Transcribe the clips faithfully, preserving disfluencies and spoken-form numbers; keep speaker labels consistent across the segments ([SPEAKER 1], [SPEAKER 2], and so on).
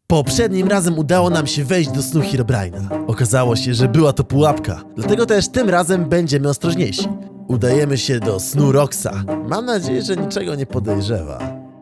[SPEAKER 1] Poprzednim razem udało nam się wejść do snu Herobrine'a. Okazało się, że była to pułapka, dlatego też tym razem będziemy ostrożniejsi. Udajemy się do snu Roxa. Mam nadzieję, że niczego nie podejrzewa.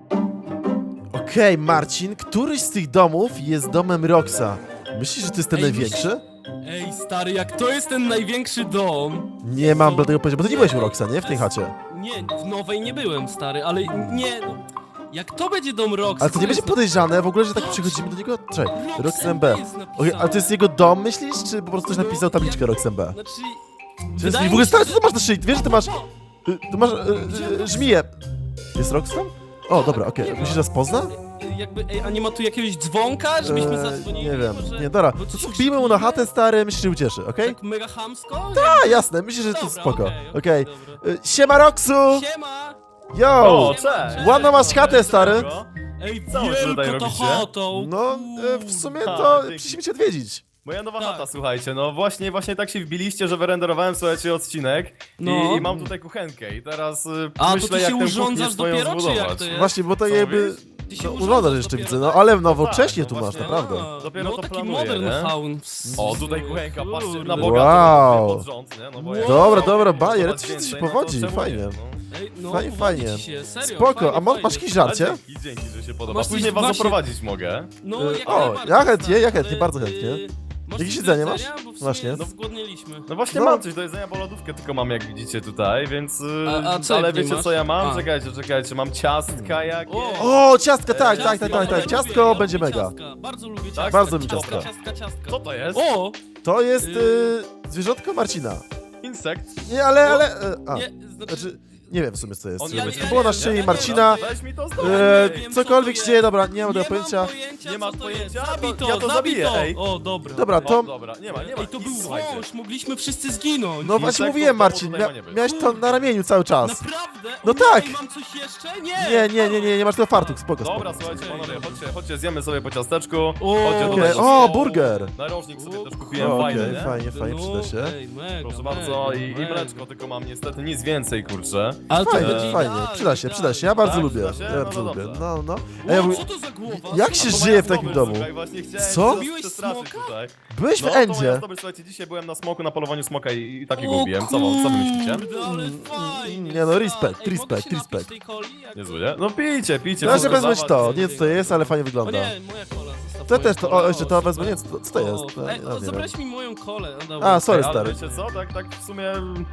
[SPEAKER 1] Okej, okay, Marcin, któryś z tych domów jest domem Roxa. Myślisz, że to jest ten
[SPEAKER 2] Ej,
[SPEAKER 1] największy?
[SPEAKER 2] Ej, stary, jak to jest ten największy dom?
[SPEAKER 1] Nie mam do tego pojęcia, bo ty nie byłeś u Roxa, nie? W tej chacie.
[SPEAKER 2] Nie, w nowej nie byłem, stary, ale nie, no. Jak to będzie dom Roxa?
[SPEAKER 1] Ale to nie będzie podejrzane w ogóle, że tak przychodzimy do niego? Czekaj, Rox M B. Okay, ale to jest jego dom, myślisz? Czy po prostu ktoś napisał tabliczkę Rox M B?
[SPEAKER 2] Znaczy...
[SPEAKER 1] Czy I w ogóle stary, co ty masz na szyi? Wiesz, że ty masz... y, Ty masz y, y, żmiję. Jest Rox tam? O, dobra, okej. Okay. Myślisz, że nas pozna?
[SPEAKER 2] Jakby, ej, a nie ma tu jakiegoś dzwonka, żebyśmy
[SPEAKER 1] Eee,
[SPEAKER 2] zadzwonili?
[SPEAKER 1] nie wiem,
[SPEAKER 2] Może...
[SPEAKER 1] nie, dobra.
[SPEAKER 2] Bo
[SPEAKER 1] To
[SPEAKER 2] coś
[SPEAKER 1] co, wbijmy mu na chatę, stary, myślisz, że ucieszy, okej? Okay?
[SPEAKER 2] Tak mega chamsko?
[SPEAKER 1] A, jasne, myślę, że to jest spoko.
[SPEAKER 2] Okej,
[SPEAKER 1] Okej.
[SPEAKER 2] okay,
[SPEAKER 1] Okay. Y, Siema, Roxu!
[SPEAKER 2] Siema!
[SPEAKER 1] Yo!
[SPEAKER 3] O, cześć!
[SPEAKER 1] Ładną masz chatę, stary.
[SPEAKER 2] Ej,
[SPEAKER 3] Co wy tutaj
[SPEAKER 2] wielko to
[SPEAKER 3] robicie?
[SPEAKER 2] chatą!
[SPEAKER 1] No, y, w sumie
[SPEAKER 3] Ha,
[SPEAKER 1] to
[SPEAKER 3] dzięki.
[SPEAKER 1] przyszliśmy cię odwiedzić.
[SPEAKER 3] Moja nowa
[SPEAKER 2] Tak.
[SPEAKER 3] chata, słuchajcie, no właśnie, właśnie tak się wbiliście, że wyrenderowałem, słuchajcie, odcinek
[SPEAKER 2] No.
[SPEAKER 3] i, i mam tutaj kuchenkę i teraz y,
[SPEAKER 2] A,
[SPEAKER 3] myślę,
[SPEAKER 2] to ty
[SPEAKER 3] jak
[SPEAKER 2] się
[SPEAKER 3] tę
[SPEAKER 2] urządzasz
[SPEAKER 3] kuchnię swoją
[SPEAKER 2] dopiero, czy jak
[SPEAKER 3] zbudować.
[SPEAKER 2] to jest?
[SPEAKER 1] Właśnie, bo to
[SPEAKER 3] Co
[SPEAKER 1] jakby...
[SPEAKER 3] mówisz?
[SPEAKER 2] Ty się
[SPEAKER 1] No,
[SPEAKER 2] urządzasz
[SPEAKER 1] urządzasz jeszcze
[SPEAKER 2] dopiero,
[SPEAKER 1] widzę, no
[SPEAKER 2] tak?
[SPEAKER 1] ale nowocześnie
[SPEAKER 3] No
[SPEAKER 1] tu
[SPEAKER 3] tak,
[SPEAKER 1] masz,
[SPEAKER 3] no
[SPEAKER 1] naprawdę.
[SPEAKER 2] A,
[SPEAKER 3] Dopiero
[SPEAKER 2] no,
[SPEAKER 3] to
[SPEAKER 2] taki
[SPEAKER 3] planuję,
[SPEAKER 2] modern
[SPEAKER 3] nie?
[SPEAKER 2] house.
[SPEAKER 3] O, tutaj kuchenka, patrzcie, na
[SPEAKER 2] Kurde.
[SPEAKER 3] bogato
[SPEAKER 1] Wow.
[SPEAKER 3] pod rząd, nie? No bo jak
[SPEAKER 1] Dobra,
[SPEAKER 3] chcę
[SPEAKER 1] dobra,
[SPEAKER 3] budować
[SPEAKER 1] bajer,
[SPEAKER 3] więcej,
[SPEAKER 1] ci się
[SPEAKER 3] no to
[SPEAKER 1] powodzi,
[SPEAKER 3] czemu
[SPEAKER 1] fajnie.
[SPEAKER 3] nie, no.
[SPEAKER 2] Ej, no,
[SPEAKER 1] Fajnie,
[SPEAKER 2] powodzi
[SPEAKER 1] fajnie.
[SPEAKER 2] ci się, serio,
[SPEAKER 1] Spoko,
[SPEAKER 2] fajnie,
[SPEAKER 1] a ma,
[SPEAKER 2] fajnie.
[SPEAKER 1] masz jakieś
[SPEAKER 3] Ale
[SPEAKER 1] żarcie?
[SPEAKER 3] dzięki, dzięki, że się podoba.
[SPEAKER 2] Masz
[SPEAKER 3] Później
[SPEAKER 2] coś
[SPEAKER 3] was
[SPEAKER 2] właśnie-
[SPEAKER 3] zaprowadzić mogę.
[SPEAKER 2] No,
[SPEAKER 1] Y,
[SPEAKER 2] jak
[SPEAKER 1] o,
[SPEAKER 2] najbardziej,
[SPEAKER 1] ja chętnie,
[SPEAKER 2] stary.
[SPEAKER 1] ja chętnie, bardzo
[SPEAKER 2] Y,
[SPEAKER 1] chętnie.
[SPEAKER 2] masz
[SPEAKER 1] Jakieś
[SPEAKER 2] coś
[SPEAKER 1] jedzenie
[SPEAKER 2] do
[SPEAKER 1] masz?
[SPEAKER 2] jedzenia? Bo w sumie
[SPEAKER 1] Właśnie.
[SPEAKER 2] No, zgłodniliśmy.
[SPEAKER 3] No właśnie
[SPEAKER 1] No.
[SPEAKER 3] mam coś do jedzenia, bo lodówkę tylko mam, jak widzicie tutaj, więc... y,
[SPEAKER 2] A- a co
[SPEAKER 3] ale
[SPEAKER 2] jak nie
[SPEAKER 3] wiecie
[SPEAKER 2] masz?
[SPEAKER 3] co ja mam?
[SPEAKER 2] A.
[SPEAKER 3] Czekajcie, czekajcie, mam ciastka jakieś.
[SPEAKER 2] O!
[SPEAKER 1] O, ciastka, tak, tak, tak,
[SPEAKER 2] Ciastka,
[SPEAKER 1] tak, tak.
[SPEAKER 2] ja
[SPEAKER 1] Ciastko
[SPEAKER 2] lubię, ja
[SPEAKER 1] będzie
[SPEAKER 2] lubię
[SPEAKER 1] mega.
[SPEAKER 2] ciastka. Bardzo lubię ciastka.
[SPEAKER 3] Tak?
[SPEAKER 1] Bardzo mi
[SPEAKER 2] ciastka,
[SPEAKER 1] ciastka.
[SPEAKER 2] ciastka, ciastka.
[SPEAKER 3] Co to jest?
[SPEAKER 2] O!
[SPEAKER 1] To jest y, zwierzątko Marcina.
[SPEAKER 3] Insekt?
[SPEAKER 1] Nie, ale, ale... y, A,
[SPEAKER 2] Nie, znaczy...
[SPEAKER 1] znaczy, nie wiem w sumie co jest.
[SPEAKER 3] On
[SPEAKER 2] Ja
[SPEAKER 1] To
[SPEAKER 2] nie
[SPEAKER 1] było na
[SPEAKER 2] wiem,
[SPEAKER 1] szyi
[SPEAKER 2] ja nie
[SPEAKER 1] Marcina.
[SPEAKER 2] wiem.
[SPEAKER 3] Weź mi to
[SPEAKER 1] E,
[SPEAKER 3] zdobij.
[SPEAKER 2] wiem,
[SPEAKER 1] cokolwiek
[SPEAKER 2] co
[SPEAKER 1] się
[SPEAKER 2] to
[SPEAKER 1] dzieje,
[SPEAKER 2] jest.
[SPEAKER 1] dobra, nie mam tego
[SPEAKER 2] Nie
[SPEAKER 1] pojęcia.
[SPEAKER 2] mam pojęcia,
[SPEAKER 3] Nie masz
[SPEAKER 2] co to jest.
[SPEAKER 3] pojęcia?
[SPEAKER 2] Zabij
[SPEAKER 3] To
[SPEAKER 2] to,
[SPEAKER 3] ja to
[SPEAKER 2] zabij
[SPEAKER 3] zabiję,
[SPEAKER 2] to.
[SPEAKER 3] ej.
[SPEAKER 2] O, dobra.
[SPEAKER 1] Dobra,
[SPEAKER 3] O,
[SPEAKER 1] to...
[SPEAKER 3] dobra, nie ma, nie ma.
[SPEAKER 2] Ej, to był
[SPEAKER 3] Słuchajcie.
[SPEAKER 2] wąż, mogliśmy wszyscy zginąć.
[SPEAKER 1] No właśnie
[SPEAKER 3] Insektów
[SPEAKER 1] mówiłem,
[SPEAKER 3] w domu
[SPEAKER 1] Marcin,
[SPEAKER 3] tutaj
[SPEAKER 1] mia
[SPEAKER 3] ma nie być.
[SPEAKER 1] miałeś to na ramieniu cały czas.
[SPEAKER 2] Naprawdę?
[SPEAKER 1] No
[SPEAKER 2] O,
[SPEAKER 1] tak.
[SPEAKER 2] Ej, mam coś jeszcze? Nie!
[SPEAKER 1] Nie, nie, nie, nie, nie masz tego fartuch, spoko, spoko.
[SPEAKER 3] Dobra, słuchajcie,
[SPEAKER 2] Okej,
[SPEAKER 3] panowie,
[SPEAKER 2] dobra.
[SPEAKER 3] chodźcie, chodźcie, zjemy sobie po ciasteczku.
[SPEAKER 2] O,
[SPEAKER 3] Chodźcie
[SPEAKER 1] Okej,
[SPEAKER 3] tutaj.
[SPEAKER 1] o, burger.
[SPEAKER 3] Narożnik sobie też
[SPEAKER 2] O,
[SPEAKER 3] kupiłem,
[SPEAKER 1] Okej,
[SPEAKER 3] fajny, nie?
[SPEAKER 1] fajnie, fajnie, przyda się.
[SPEAKER 2] Ej, mega,
[SPEAKER 3] Proszę
[SPEAKER 2] mega,
[SPEAKER 3] bardzo, i, i
[SPEAKER 2] mega.
[SPEAKER 3] mleczko tylko mam niestety, nic więcej, kurczę.
[SPEAKER 2] Ale to
[SPEAKER 1] Fajnie,
[SPEAKER 2] będzie
[SPEAKER 1] fajnie,
[SPEAKER 2] idealnie,
[SPEAKER 1] przyda się, przyda się, ja
[SPEAKER 2] idealnie.
[SPEAKER 1] bardzo
[SPEAKER 3] Tak,
[SPEAKER 1] lubię,
[SPEAKER 3] przyda się?
[SPEAKER 1] ja
[SPEAKER 3] No
[SPEAKER 1] bardzo
[SPEAKER 3] to
[SPEAKER 1] lubię,
[SPEAKER 3] dobrze.
[SPEAKER 1] no, no.
[SPEAKER 2] Wow,
[SPEAKER 1] A ja mówię,
[SPEAKER 2] co to za głowa?
[SPEAKER 1] jak się
[SPEAKER 3] A to
[SPEAKER 1] żyje
[SPEAKER 3] moja
[SPEAKER 1] w takim
[SPEAKER 3] zdobycz,
[SPEAKER 1] domu?
[SPEAKER 3] Słuchaj, właśnie chciałem
[SPEAKER 1] Co?
[SPEAKER 3] cię
[SPEAKER 2] Zabiłeś
[SPEAKER 3] przestraszyć
[SPEAKER 2] smoka?
[SPEAKER 3] tutaj.
[SPEAKER 1] Byłeś w
[SPEAKER 3] No, to moja
[SPEAKER 1] Endzie.
[SPEAKER 3] zdobycz, słuchajcie, dzisiaj byłem na smoku, na polowaniu smoka i, i takiego
[SPEAKER 2] O
[SPEAKER 3] ubiłem. Co wam, co wy myślicie?
[SPEAKER 2] kurde, ale fajnie.
[SPEAKER 1] Nie no, respekt,
[SPEAKER 2] Ej, mogę
[SPEAKER 1] respekt,
[SPEAKER 2] się napić
[SPEAKER 1] respekt.
[SPEAKER 2] tej coli? Jak-
[SPEAKER 3] Niezły, nie? No pijcie, pijcie.
[SPEAKER 1] Ja się
[SPEAKER 3] proszę
[SPEAKER 1] wezmę
[SPEAKER 3] dawać.
[SPEAKER 1] to, nie wiem co to jest, ale fajnie
[SPEAKER 2] O
[SPEAKER 1] wygląda.
[SPEAKER 2] nie, moja kola, zostaw
[SPEAKER 1] To
[SPEAKER 2] moją
[SPEAKER 1] też to,
[SPEAKER 2] kolę.
[SPEAKER 1] o, jeszcze to
[SPEAKER 2] O,
[SPEAKER 1] wezmę, nie,
[SPEAKER 2] super.
[SPEAKER 1] co, co to jest?
[SPEAKER 2] O,
[SPEAKER 1] No,
[SPEAKER 2] Ej,
[SPEAKER 1] nie
[SPEAKER 2] o,
[SPEAKER 1] wiem.
[SPEAKER 2] zabrałeś mi moją kolę. No, dobra.
[SPEAKER 1] A, sorry,
[SPEAKER 3] Ale
[SPEAKER 1] stary.
[SPEAKER 3] wiecie co, tak, tak w sumie...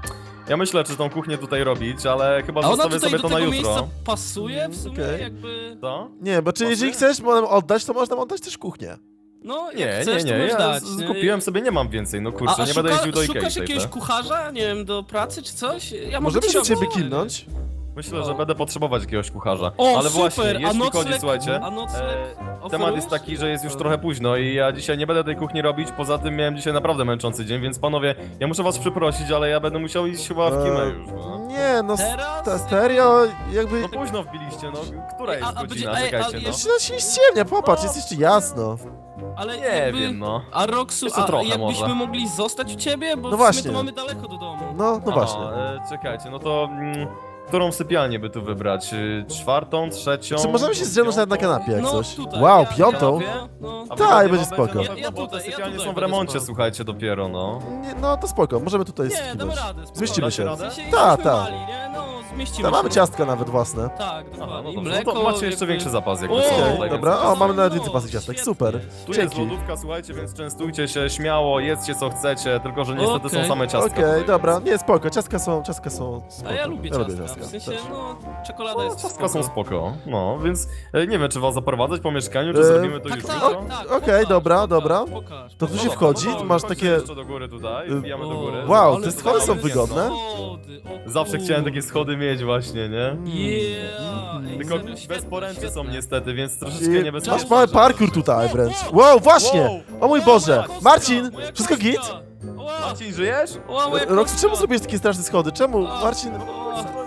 [SPEAKER 3] Ja myślę, czy tą kuchnię tutaj robić, ale chyba
[SPEAKER 2] A ona
[SPEAKER 3] zostawię
[SPEAKER 2] tutaj
[SPEAKER 3] sobie
[SPEAKER 2] do
[SPEAKER 3] to na
[SPEAKER 2] tego
[SPEAKER 3] jutro.
[SPEAKER 2] miejsca pasuje w sumie,
[SPEAKER 1] Okej.
[SPEAKER 2] jakby...
[SPEAKER 3] Co?
[SPEAKER 1] Nie, bo czy jeżeli
[SPEAKER 3] Pasuje?
[SPEAKER 1] chcesz nam oddać, to można oddać też kuchnię.
[SPEAKER 2] No, jak
[SPEAKER 3] Nie,
[SPEAKER 2] chcesz,
[SPEAKER 3] nie,
[SPEAKER 2] to
[SPEAKER 3] nie,
[SPEAKER 2] możesz
[SPEAKER 3] ja
[SPEAKER 2] dać,
[SPEAKER 3] z-
[SPEAKER 2] nie?
[SPEAKER 3] kupiłem sobie, nie mam więcej, no
[SPEAKER 2] A,
[SPEAKER 3] kurczę,
[SPEAKER 2] a
[SPEAKER 3] nie
[SPEAKER 2] szuka,
[SPEAKER 3] będę jeździł do
[SPEAKER 2] szukasz
[SPEAKER 3] Ikei
[SPEAKER 2] jakiegoś
[SPEAKER 3] tej,
[SPEAKER 2] kucharza, nie wiem, do pracy czy coś? Ja mogę
[SPEAKER 1] Możemy
[SPEAKER 2] ci
[SPEAKER 1] się do ciebie
[SPEAKER 2] pomóc.
[SPEAKER 1] kilnąć?
[SPEAKER 3] Myślę, że będę potrzebować jakiegoś kucharza.
[SPEAKER 2] O,
[SPEAKER 3] Ale
[SPEAKER 2] super,
[SPEAKER 3] właśnie,
[SPEAKER 2] a
[SPEAKER 3] jeśli
[SPEAKER 2] nocleg,
[SPEAKER 3] chodzi, słuchajcie,
[SPEAKER 2] a nocleg
[SPEAKER 3] e, temat
[SPEAKER 2] oferujesz?
[SPEAKER 3] jest taki, że jest już trochę późno i ja dzisiaj nie będę tej kuchni robić, poza tym miałem dzisiaj naprawdę męczący dzień, więc panowie, ja muszę was przeprosić, ale ja będę musiał iść chyba w kimę
[SPEAKER 1] Eee,
[SPEAKER 3] już, no.
[SPEAKER 1] Nie, no,
[SPEAKER 2] Teraz?
[SPEAKER 1] ta serio, jakby...
[SPEAKER 3] No późno wbiliście, no, która
[SPEAKER 2] Ej, a-
[SPEAKER 3] jest
[SPEAKER 2] a
[SPEAKER 3] godzina,
[SPEAKER 2] będzie- ej,
[SPEAKER 3] czekajcie,
[SPEAKER 2] ale
[SPEAKER 3] no.
[SPEAKER 2] jeszcze-
[SPEAKER 1] No się ściemnia, popatrz, jest jeszcze jasno.
[SPEAKER 2] Ale
[SPEAKER 3] Nie
[SPEAKER 2] jakby...
[SPEAKER 3] wiem, no.
[SPEAKER 2] A Roxu,
[SPEAKER 3] Jeszcze
[SPEAKER 2] a
[SPEAKER 3] trochę
[SPEAKER 2] jakbyśmy
[SPEAKER 3] może.
[SPEAKER 2] mogli zostać u ciebie? Bo
[SPEAKER 1] No
[SPEAKER 2] w sumie
[SPEAKER 1] właśnie.
[SPEAKER 2] to mamy daleko do domu.
[SPEAKER 1] No, no
[SPEAKER 3] Aha,
[SPEAKER 1] właśnie.
[SPEAKER 3] e, czekajcie, no to... Mm, którą sypialnię by tu wybrać? Y, Czwartą, trzecią?
[SPEAKER 1] Czy możemy się zdrzemnąć nawet na
[SPEAKER 3] piątą?
[SPEAKER 1] kanapie jak
[SPEAKER 2] No,
[SPEAKER 1] coś?
[SPEAKER 2] tutaj,
[SPEAKER 1] Wow,
[SPEAKER 2] ja-
[SPEAKER 1] piątą?
[SPEAKER 2] ja- No,
[SPEAKER 3] A
[SPEAKER 1] Tak,
[SPEAKER 3] wygodnie
[SPEAKER 1] będzie
[SPEAKER 3] wam
[SPEAKER 1] spoko.
[SPEAKER 3] Na
[SPEAKER 2] Ja-
[SPEAKER 3] pewno,
[SPEAKER 2] ja
[SPEAKER 3] bo te
[SPEAKER 2] tutaj, ja
[SPEAKER 3] sypialnie
[SPEAKER 2] tutaj
[SPEAKER 3] są w
[SPEAKER 2] będę
[SPEAKER 3] remoncie,
[SPEAKER 2] spał.
[SPEAKER 3] słuchajcie, dopiero, no.
[SPEAKER 1] Nie, no to spoko, możemy tutaj
[SPEAKER 2] Nie, damy
[SPEAKER 1] skinąć.
[SPEAKER 2] radę. spokojnie.
[SPEAKER 1] Zmieścimy się.
[SPEAKER 3] Dacie
[SPEAKER 2] W sensie
[SPEAKER 1] Ta,
[SPEAKER 2] jesteśmy
[SPEAKER 1] ta.
[SPEAKER 2] mali, nie? No, zmieścimy
[SPEAKER 1] Tam mamy
[SPEAKER 2] się.
[SPEAKER 1] ciastka nawet własne.
[SPEAKER 2] Tak,
[SPEAKER 3] Aha,
[SPEAKER 2] dokładnie.
[SPEAKER 3] no
[SPEAKER 2] I
[SPEAKER 3] dobrze,
[SPEAKER 2] mleko,
[SPEAKER 3] no to macie jeszcze
[SPEAKER 2] jakby-
[SPEAKER 3] większy zapas, jakby
[SPEAKER 2] O,
[SPEAKER 3] co
[SPEAKER 1] Okej,
[SPEAKER 3] tutaj
[SPEAKER 1] dobra,
[SPEAKER 3] więcej.
[SPEAKER 1] o, mamy nawet
[SPEAKER 2] No,
[SPEAKER 1] więcej pasek ciastek,
[SPEAKER 2] świetnie.
[SPEAKER 1] super.
[SPEAKER 3] Tu jest
[SPEAKER 1] Dzięki.
[SPEAKER 3] lodówka, słuchajcie, więc częstujcie się śmiało, jedzcie co chcecie, tylko że niestety
[SPEAKER 2] Okej.
[SPEAKER 3] są same ciastka.
[SPEAKER 1] Okej,
[SPEAKER 3] tutaj,
[SPEAKER 1] dobra,
[SPEAKER 3] więc-
[SPEAKER 1] nie, spoko, ciastka są, ciastka są spoko.
[SPEAKER 2] A ja lubię
[SPEAKER 1] ja
[SPEAKER 2] ciastka,
[SPEAKER 1] ciastka
[SPEAKER 2] w sensie,
[SPEAKER 1] też.
[SPEAKER 2] no, czekolada jest
[SPEAKER 3] Ciastka są
[SPEAKER 2] spoko.
[SPEAKER 3] spoko, no, więc e, nie wiem, czy was zaprowadzać po mieszkaniu, czy
[SPEAKER 1] E,
[SPEAKER 3] zrobimy to
[SPEAKER 2] Tak,
[SPEAKER 3] już
[SPEAKER 2] tak,
[SPEAKER 3] jutro?
[SPEAKER 2] tak,
[SPEAKER 1] Okej,
[SPEAKER 2] pokaż,
[SPEAKER 1] dobra,
[SPEAKER 2] pokaż,
[SPEAKER 1] dobra.
[SPEAKER 2] Pokaż,
[SPEAKER 1] To tu
[SPEAKER 3] No
[SPEAKER 1] się
[SPEAKER 3] dobra,
[SPEAKER 1] wchodzi,
[SPEAKER 3] no to
[SPEAKER 1] tu masz
[SPEAKER 3] chodźcie
[SPEAKER 1] takie...
[SPEAKER 3] jeszcze do góry tutaj,
[SPEAKER 1] Y,
[SPEAKER 3] wbijamy do góry.
[SPEAKER 1] Wow,
[SPEAKER 2] ale
[SPEAKER 1] te schody są
[SPEAKER 2] fajne
[SPEAKER 1] wygodne.
[SPEAKER 2] schody, o
[SPEAKER 3] Zawsze chciałem takie
[SPEAKER 2] kurde.
[SPEAKER 3] schody mieć właśnie, nie?
[SPEAKER 2] Yeah, ej,
[SPEAKER 3] Tylko
[SPEAKER 2] serio,
[SPEAKER 3] bez
[SPEAKER 2] świetne,
[SPEAKER 3] poręczy są
[SPEAKER 2] świetne.
[SPEAKER 3] niestety, więc troszeczkę
[SPEAKER 1] I
[SPEAKER 3] niebezpieczne.
[SPEAKER 1] masz mały parkour tutaj wręcz. Wow, właśnie! O mój Boże!
[SPEAKER 2] Moja
[SPEAKER 1] Marcin,
[SPEAKER 2] kostka, moja
[SPEAKER 1] wszystko
[SPEAKER 2] kostka.
[SPEAKER 1] git?
[SPEAKER 2] Ła,
[SPEAKER 3] Marcin, żyjesz?
[SPEAKER 2] ła, moja
[SPEAKER 1] Roxy,
[SPEAKER 2] kostka.
[SPEAKER 1] czemu zrobiłeś takie straszne schody? Czemu? Marcin...
[SPEAKER 2] O,
[SPEAKER 3] Nie sądziłem,